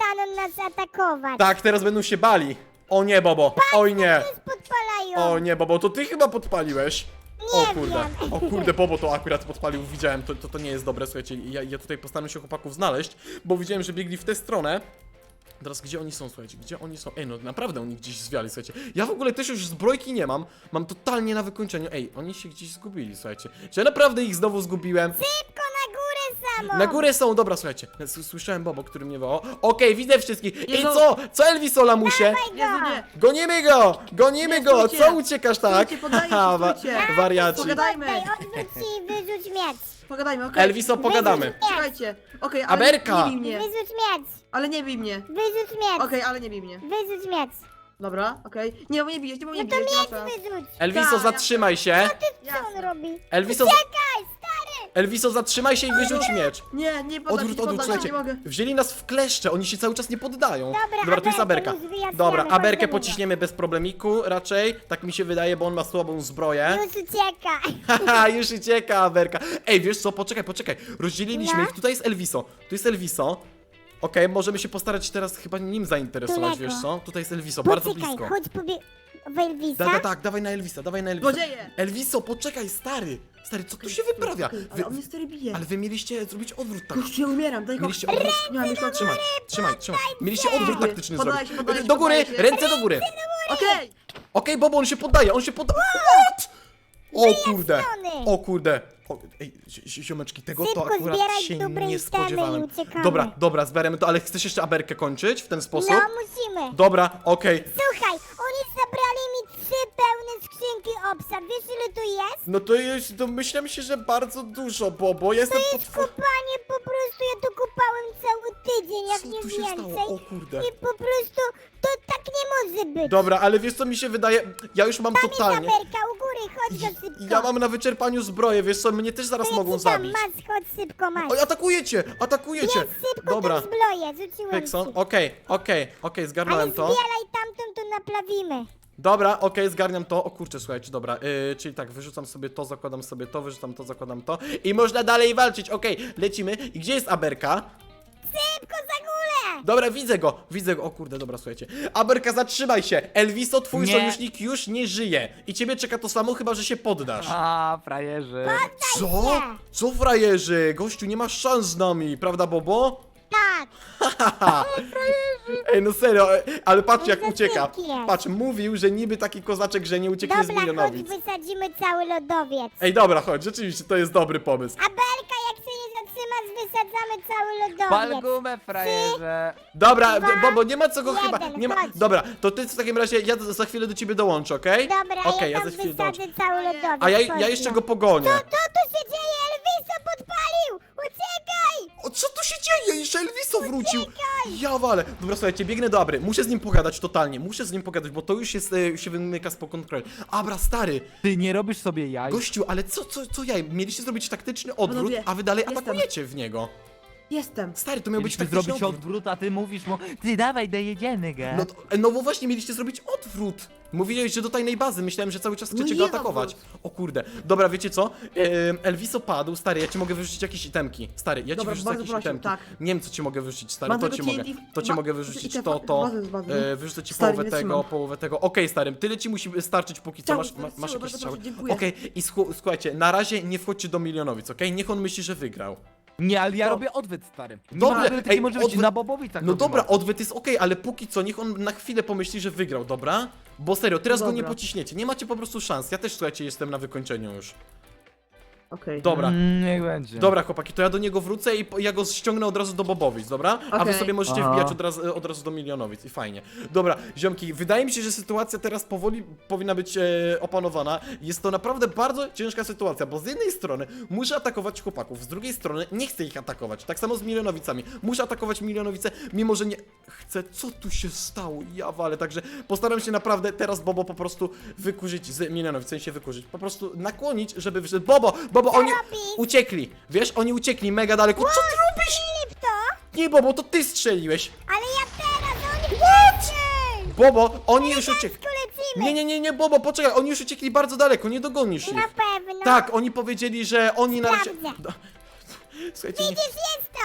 [SPEAKER 2] przestaną nas atakować.
[SPEAKER 1] Tak, teraz będą się bali. O nie, Bobo. Oj nie.
[SPEAKER 2] Nas podpalają.
[SPEAKER 1] O nie, Bobo, to ty chyba podpaliłeś. O
[SPEAKER 2] Nie
[SPEAKER 1] kurde,
[SPEAKER 2] wiem.
[SPEAKER 1] o kurde, Bobo to akurat podpalił, widziałem, to, to, to nie jest dobre, słuchajcie, ja, ja tutaj postaram się chłopaków znaleźć, bo widziałem, że biegli w tę stronę. Teraz gdzie oni są, słuchajcie, gdzie oni są? Ej, no naprawdę oni gdzieś zwiali, słuchajcie. Ja w ogóle też już zbrojki nie mam, mam totalnie na wykończeniu. Ej, oni się gdzieś zgubili, słuchajcie. Czy ja naprawdę ich znowu zgubiłem?
[SPEAKER 2] Szybko na górę samo.
[SPEAKER 1] Na górę są, dobra, słuchajcie. S- Słyszałem Bobo, który mnie wołał. Okej, widzę wszystkich. I
[SPEAKER 3] Jezu.
[SPEAKER 1] co? Co Elviso, lamusie?
[SPEAKER 3] Jezu, nie.
[SPEAKER 1] Gonimy go! Gonimy
[SPEAKER 3] Nie,
[SPEAKER 1] go!
[SPEAKER 3] stójcie.
[SPEAKER 1] Co uciekasz tak?
[SPEAKER 3] Stójcie, poddaję się,
[SPEAKER 1] Haha, wa-
[SPEAKER 3] stójcie.
[SPEAKER 1] wariaci.
[SPEAKER 3] Pogadajmy.
[SPEAKER 2] Oddaj, odwróć się i wyrzuć miecz.
[SPEAKER 3] Pogadajmy, okej?
[SPEAKER 1] Elviso, pogadamy.
[SPEAKER 3] Słuchajcie, okej, ale
[SPEAKER 1] Aberka.
[SPEAKER 3] nie bij mnie.
[SPEAKER 2] Wyrzuć miecz.
[SPEAKER 3] Ale nie bij mnie.
[SPEAKER 2] Wyrzuć miecz.
[SPEAKER 3] Okej, ale nie bij mnie.
[SPEAKER 2] Wyrzuć miecz.
[SPEAKER 3] Dobra, okej. Nie, bo nie bijesz, nie, bo nie
[SPEAKER 2] No to
[SPEAKER 3] bijesz, nie ma
[SPEAKER 2] miecz
[SPEAKER 3] szans.
[SPEAKER 2] wyrzuć.
[SPEAKER 1] Elviso,
[SPEAKER 3] Tak,
[SPEAKER 1] zatrzymaj się.
[SPEAKER 2] Co on
[SPEAKER 3] Jasne.
[SPEAKER 2] robi?
[SPEAKER 1] Elviso,
[SPEAKER 2] Czekaj, stary.
[SPEAKER 1] Elviso, zatrzymaj się i wyrzuć miecz.
[SPEAKER 3] Nie, nie poddam
[SPEAKER 1] Odwrót,
[SPEAKER 3] się,
[SPEAKER 1] odwrót,
[SPEAKER 3] poddam się,
[SPEAKER 1] słuchajcie.
[SPEAKER 3] nie mogę.
[SPEAKER 1] Wzięli nas w kleszcze, oni się cały czas nie poddają.
[SPEAKER 2] Dobra,
[SPEAKER 1] to jest
[SPEAKER 2] Aberkę
[SPEAKER 1] Aberka.
[SPEAKER 2] już wyjaśniamy,
[SPEAKER 1] Dobra,
[SPEAKER 2] chodź
[SPEAKER 1] Aberkę
[SPEAKER 2] do niego.
[SPEAKER 1] pociśniemy bez problemiku raczej. Tak mi się wydaje, bo on ma słabą zbroję.
[SPEAKER 2] Już uciekaj.
[SPEAKER 1] Haha, już ucieka Aberka. Ej, wiesz co, poczekaj, poczekaj. Rozdzieliliśmy
[SPEAKER 2] No.
[SPEAKER 1] ich, tutaj jest Elviso. Tu jest Elviso. Okej, możemy się postarać teraz chyba nim zainteresować,
[SPEAKER 2] Daleko.
[SPEAKER 1] wiesz co? Tutaj jest Elviso, bardzo
[SPEAKER 2] Poczekaj,
[SPEAKER 1] blisko.
[SPEAKER 2] chodź pobie... w Elvisa.
[SPEAKER 1] Tak, tak, tak, dawaj na Elvisa, dawaj na Elvisa.
[SPEAKER 3] Złodzieje!
[SPEAKER 1] Elviso, poczekaj, stary. Stary, co tu się wyprawia?
[SPEAKER 3] Okej,
[SPEAKER 1] Wy,
[SPEAKER 3] Ale on mnie stary bije.
[SPEAKER 1] ale wy mieliście zrobić odwrót tak.
[SPEAKER 3] Gościu, ja umieram, daj go.
[SPEAKER 1] Mieliście odwrót.
[SPEAKER 3] Nie mam jeszcze
[SPEAKER 1] Trzymaj, trzymaj, trzymaj. Mieliście odwrót taktyczny
[SPEAKER 3] Poddaję
[SPEAKER 1] zrobić.
[SPEAKER 3] się, poddaję się,
[SPEAKER 1] Do góry,
[SPEAKER 3] poddaję się.
[SPEAKER 1] ręce do góry.
[SPEAKER 3] Okej!
[SPEAKER 1] Okej, Bobo, on się poddaje, on się poddaje. What? O kurde, o kurde. O, ej, zi- zi- ziomeczki, tego to
[SPEAKER 2] Szybko
[SPEAKER 1] akurat
[SPEAKER 2] zbieraj
[SPEAKER 1] się
[SPEAKER 2] dobre
[SPEAKER 1] nie
[SPEAKER 2] itemy i
[SPEAKER 1] spodziewałem.
[SPEAKER 2] uciekamy.
[SPEAKER 1] Dobra, dobra, zbieramy to, ale chcesz jeszcze Aberkę kończyć w ten sposób?
[SPEAKER 2] No, musimy.
[SPEAKER 1] Dobra, okej.
[SPEAKER 2] Słuchaj, oni zabrali mi trzy pełne skrzynki obsa. Wiesz, ile tu jest?
[SPEAKER 1] No to jest, domyślam się, że bardzo dużo, Bobo. Jestem
[SPEAKER 2] To
[SPEAKER 1] pod...
[SPEAKER 2] jest kopanie, po prostu ja tu kopałem cały tydzień, jak
[SPEAKER 1] Co
[SPEAKER 2] nie
[SPEAKER 1] tu się
[SPEAKER 2] więcej.
[SPEAKER 1] stało? O kurde.
[SPEAKER 2] I po prostu to tak nie może być.
[SPEAKER 1] Dobra, ale wiesz co mi się wydaje? Ja już mam
[SPEAKER 2] Tam jest
[SPEAKER 1] totalnie...
[SPEAKER 2] Amerka, u góry, chodź go szybko.
[SPEAKER 1] Ja mam na wyczerpaniu zbroję, wiesz co, mnie też zaraz
[SPEAKER 2] To ja
[SPEAKER 1] mogą
[SPEAKER 2] ci dam,
[SPEAKER 1] zabić.
[SPEAKER 2] Masz, chodź szybko, masz.
[SPEAKER 1] Oj, atakujecie, atakujecie.
[SPEAKER 2] Jest szybko
[SPEAKER 1] Dobra,
[SPEAKER 2] tą zbroję, rzuciłem
[SPEAKER 1] Pekson,
[SPEAKER 2] ci.
[SPEAKER 1] okej, okej, okej,
[SPEAKER 2] Ale
[SPEAKER 1] zgarnąłem to.
[SPEAKER 2] zbieraj tamtą, to naprawimy.
[SPEAKER 1] Dobra, okej, zgarniam to. O kurczę, słuchajcie, dobra, yy, czyli tak, wyrzucam sobie to, zakładam sobie to, wyrzucam to, zakładam to i można dalej walczyć, okej, lecimy. I gdzie jest Aberka?
[SPEAKER 2] Szybko za górę!
[SPEAKER 1] Dobra, widzę go, widzę go, o kurde, dobra, słuchajcie. Aberka, zatrzymaj się, Elviso, twój
[SPEAKER 4] Nie.
[SPEAKER 1] sojusznik już nie żyje i ciebie czeka to samo, chyba że się poddasz.
[SPEAKER 4] A, frajerzy.
[SPEAKER 1] Co? Co frajerzy? Gościu, nie masz szans z nami, prawda, Bobo?
[SPEAKER 2] Tak,
[SPEAKER 1] Ej, no serio, e, ale patrz jak
[SPEAKER 2] No to
[SPEAKER 1] ucieka.
[SPEAKER 2] dzięki jest.
[SPEAKER 1] Patrz, mówił, że niby taki kozaczek, że nie ucieknie z
[SPEAKER 2] dobra, chodź,
[SPEAKER 1] milionowic.
[SPEAKER 2] wysadzimy cały lodowiec.
[SPEAKER 1] Ej, dobra, chodź, rzeczywiście, to jest dobry pomysł.
[SPEAKER 2] A Belka, jak się nie zatrzymasz, wysadzamy cały lodowiec.
[SPEAKER 4] Pal gumę, frajerze.
[SPEAKER 1] Dobra,
[SPEAKER 2] Dwa,
[SPEAKER 1] d- Bobo, nie ma co go
[SPEAKER 2] jeden,
[SPEAKER 1] chyba, nie ma...
[SPEAKER 2] chodź.
[SPEAKER 1] Dobra, to ty w takim razie, ja za chwilę do ciebie dołączę, okej?
[SPEAKER 2] Dobra,
[SPEAKER 1] Okej,
[SPEAKER 2] ja
[SPEAKER 1] ja
[SPEAKER 2] tam
[SPEAKER 1] za chwilę dołączę.
[SPEAKER 2] wysadzę cały lodowiec.
[SPEAKER 1] A ja, ja
[SPEAKER 2] chodź,
[SPEAKER 1] jeszcze
[SPEAKER 2] no.
[SPEAKER 1] go pogonię.
[SPEAKER 2] Co tu się dzieje? Elviso podpalił! Uciekaj!
[SPEAKER 1] O, co tu się dzieje? Jeszcze Elviso wrócił! Ja walę. Dobra, słuchajcie, biegnę do Abry. Muszę z nim pogadać totalnie. Muszę z nim pogadać, bo to już jest, e, się wymyka spod kontroli. Abra, stary,
[SPEAKER 4] Ty nie robisz sobie jaj.
[SPEAKER 1] gościu, ale co, co, co ja? Mieliście zrobić taktyczny odwrót,
[SPEAKER 3] Panowie,
[SPEAKER 1] a wy dalej
[SPEAKER 3] jestem.
[SPEAKER 1] atakujecie w niego.
[SPEAKER 3] Jestem.
[SPEAKER 1] Stary, to miał być
[SPEAKER 4] Mieliśmy
[SPEAKER 1] taktyczny
[SPEAKER 4] zrobić
[SPEAKER 1] odwrót.
[SPEAKER 4] odwrót, a ty mówisz mu, ty dawaj, dojedziemy go.
[SPEAKER 1] No, to, no bo właśnie mieliście zrobić odwrót. Mówiłeś, że do tajnej bazy. Myślałem, że cały czas
[SPEAKER 3] No
[SPEAKER 1] chcecie
[SPEAKER 3] nie
[SPEAKER 1] go
[SPEAKER 3] jest
[SPEAKER 1] atakować.
[SPEAKER 3] odwrót.
[SPEAKER 1] O kurde. Dobra, wiecie co? Em, Elviso padł. Stary, ja ci mogę wyrzucić jakieś itemki. Stary, ja ci
[SPEAKER 3] Dobra,
[SPEAKER 1] wyrzucę
[SPEAKER 3] bardzo
[SPEAKER 1] jakieś
[SPEAKER 3] proszę,
[SPEAKER 1] itemki.
[SPEAKER 3] tak.
[SPEAKER 1] Nie wiem, co ci mogę wyrzucić, stary.
[SPEAKER 3] Mam
[SPEAKER 1] To
[SPEAKER 3] tego
[SPEAKER 1] ci mogę.
[SPEAKER 3] T N T
[SPEAKER 1] To ci
[SPEAKER 3] ba-
[SPEAKER 1] mogę
[SPEAKER 3] i
[SPEAKER 1] wyrzucić
[SPEAKER 3] te
[SPEAKER 1] to,
[SPEAKER 3] fa-
[SPEAKER 1] to.
[SPEAKER 3] bazę z bazy.
[SPEAKER 1] E, wyrzucę ci
[SPEAKER 3] Stary,
[SPEAKER 1] połowę
[SPEAKER 3] nie
[SPEAKER 1] tego,
[SPEAKER 3] trzymam.
[SPEAKER 1] połowę tego. Okej, stary, tyle ci musi starczyć póki co.
[SPEAKER 3] Cały-
[SPEAKER 1] Masz, ma, masz
[SPEAKER 3] cały,
[SPEAKER 1] jakieś
[SPEAKER 3] bardzo
[SPEAKER 1] strzały.
[SPEAKER 3] proszę, dziękuję.
[SPEAKER 1] Okej, i słu- słuchajcie, na razie nie wchodźcie do milionowic, okej? Niech on myśli, że wygrał.
[SPEAKER 4] Nie, ale ja
[SPEAKER 1] To-
[SPEAKER 4] robię odwyt, stary. Nie
[SPEAKER 1] Dobrze,
[SPEAKER 4] ma odwyt,
[SPEAKER 1] ej,
[SPEAKER 4] taki może być
[SPEAKER 1] odwyt-
[SPEAKER 4] na Bobowicach.
[SPEAKER 1] No dobra, odwyt jest okej, ale póki co niech on na chwilę pomyśli, że wygrał, dobra? Bo serio, teraz go nie
[SPEAKER 3] Dobra.
[SPEAKER 1] pociśniecie, nie macie po prostu szans. Ja też, słuchajcie, jestem na wykończeniu już.
[SPEAKER 3] Okej.
[SPEAKER 1] Dobra.
[SPEAKER 4] Mm, niech będzie.
[SPEAKER 1] Dobra, chłopaki, to ja do niego wrócę i po- ja go ściągnę od razu do Bobowic, dobra? A wy
[SPEAKER 3] Okej.
[SPEAKER 1] sobie możecie
[SPEAKER 4] Aha.
[SPEAKER 1] wbijać od razu, od razu do Milionowic i fajnie. Dobra, ziomki, wydaje mi się, że sytuacja teraz powoli powinna być e, opanowana. Jest to naprawdę bardzo ciężka sytuacja, bo z jednej strony muszę atakować chłopaków, z drugiej strony nie chcę ich atakować. Tak samo z Milionowicami. Muszę atakować Milionowice, mimo że nie chcę. Co tu się stało? Ja walę, także postaram się naprawdę teraz Bobo po prostu wykurzyć z Milionowic, w sensie wykurzyć. Po prostu nakłonić, żeby wyszedł. Bobo, Bobo, oni
[SPEAKER 2] robisz?
[SPEAKER 1] uciekli. Wiesz, oni uciekli mega daleko. Co ty robisz?
[SPEAKER 2] Filip to?
[SPEAKER 1] Nie, Bobo, to ty strzeliłeś.
[SPEAKER 2] Ale ja teraz, oni What?
[SPEAKER 1] Bobo, oni już uciekli.
[SPEAKER 2] Tu lecimy.
[SPEAKER 1] Nie, nie, nie, nie, Bobo, poczekaj, oni już uciekli bardzo daleko, nie dogonisz
[SPEAKER 2] Na
[SPEAKER 1] ich.
[SPEAKER 2] pewno.
[SPEAKER 1] Tak, oni powiedzieli, że oni na razie...
[SPEAKER 2] Sprawdzę.
[SPEAKER 1] Do- Słuchajcie, nie...
[SPEAKER 2] Widzisz, jest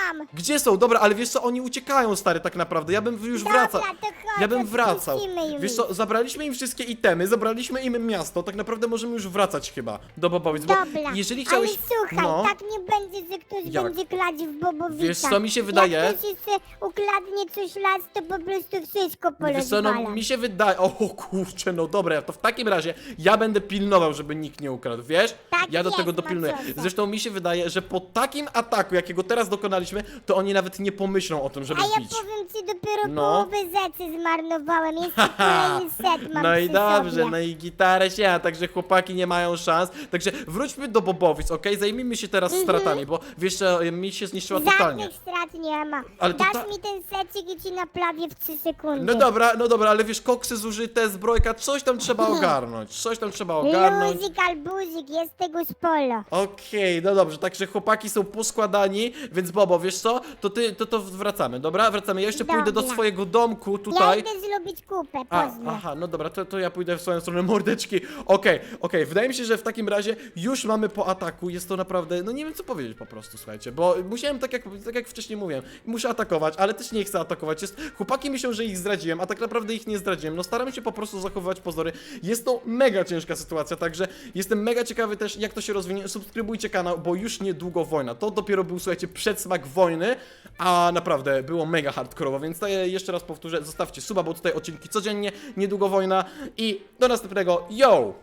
[SPEAKER 2] tam.
[SPEAKER 1] Gdzie są? Dobra, ale wiesz co, oni uciekają, stary, tak naprawdę. Ja bym już
[SPEAKER 2] Dobra,
[SPEAKER 1] wracał.
[SPEAKER 2] to chodź,
[SPEAKER 1] Ja bym wracał.
[SPEAKER 2] odpuścimy im.
[SPEAKER 1] Wiesz co, zabraliśmy im wszystkie itemy, zabraliśmy im miasto, tak naprawdę możemy już wracać chyba do Bobowic, bo
[SPEAKER 2] Dobra,
[SPEAKER 1] jeżeli chciałeś...
[SPEAKER 2] ale słuchaj,
[SPEAKER 1] no,
[SPEAKER 2] tak nie będzie, że ktoś
[SPEAKER 1] Jak?
[SPEAKER 2] będzie kladł w Bobowicach.
[SPEAKER 1] Wiesz co, mi się wydaje-
[SPEAKER 2] Jak ktoś jeszcze ukradnie coś las, to po prostu wszystko
[SPEAKER 1] wiesz co, no
[SPEAKER 2] porozwala.
[SPEAKER 1] mi się wydaje... O kurczę, no dobra, to w takim razie ja będę pilnował, żeby nikt nie ukradł, wiesz?
[SPEAKER 2] Tak
[SPEAKER 1] Ja do
[SPEAKER 2] jest,
[SPEAKER 1] tego dopilnuję.
[SPEAKER 2] Maciosie.
[SPEAKER 1] Zresztą mi się wydaje, że po takim ataku, jakiego teraz dokonaliśmy, to oni nawet nie pomyślą o tym, żeby
[SPEAKER 2] A ja
[SPEAKER 1] wbić.
[SPEAKER 2] powiem ci, dopiero
[SPEAKER 1] No.
[SPEAKER 2] połowę rzeczy zmarnowałem. Jeszcze kolejny set mam
[SPEAKER 1] No i
[SPEAKER 2] przy
[SPEAKER 1] dobrze,
[SPEAKER 2] sobie.
[SPEAKER 1] no i gitarę się, a także chłopaki nie mają szans. Także wróćmy do Bobowic, okej? Zajmijmy się teraz stratami, bo wiesz co, mi się zniszczyła totalnie.
[SPEAKER 2] Żadnych strat nie ma.
[SPEAKER 1] Ale to
[SPEAKER 2] Dasz
[SPEAKER 1] ta-
[SPEAKER 2] mi ten secik i ci naprawię w trzy sekundy.
[SPEAKER 1] No dobra, no dobra, ale wiesz, koksy zużyte, zbrojka, coś tam trzeba ogarnąć, coś tam trzeba ogarnąć.
[SPEAKER 2] Luzik albuzik, jest tego sporo.
[SPEAKER 1] Okej, no dobrze, także chłopaki są poskładani, więc Bobo, wiesz co, to ty, to, to wracamy, dobra? Wracamy, ja jeszcze pójdę do
[SPEAKER 2] Dobra.
[SPEAKER 1] swojego domku
[SPEAKER 2] Ja
[SPEAKER 1] tutaj.
[SPEAKER 2] idę zrobić kupę,
[SPEAKER 1] A,
[SPEAKER 2] pozdro.
[SPEAKER 1] aha, no dobra, to, to ja pójdę w swoją stronę mordeczki. Okej, okej, wydaje mi się, że w takim razie już mamy po ataku, jest to naprawdę, no nie wiem co powiedzieć po prostu, słuchajcie, bo musiałem, tak jak, tak jak wcześniej mówiłem, muszę atakować, ale też nie chcę atakować, jest, chłopaki myślą, że ich zdradziłem, a tak naprawdę ich nie zdradziłem, no staram się po prostu zachowywać pozory, jest to mega ciężka sytuacja, także jestem mega ciekawy też, jak to się rozwinie, subskrybujcie kanał, bo już niedługo wojna, to dopiero był, słuchajcie, przedsmak wojny, a naprawdę było mega hardkorowo, więc to jeszcze raz powtórzę, zostawcie suba, bo tutaj odcinki codziennie, niedługo wojna i do następnego, yo!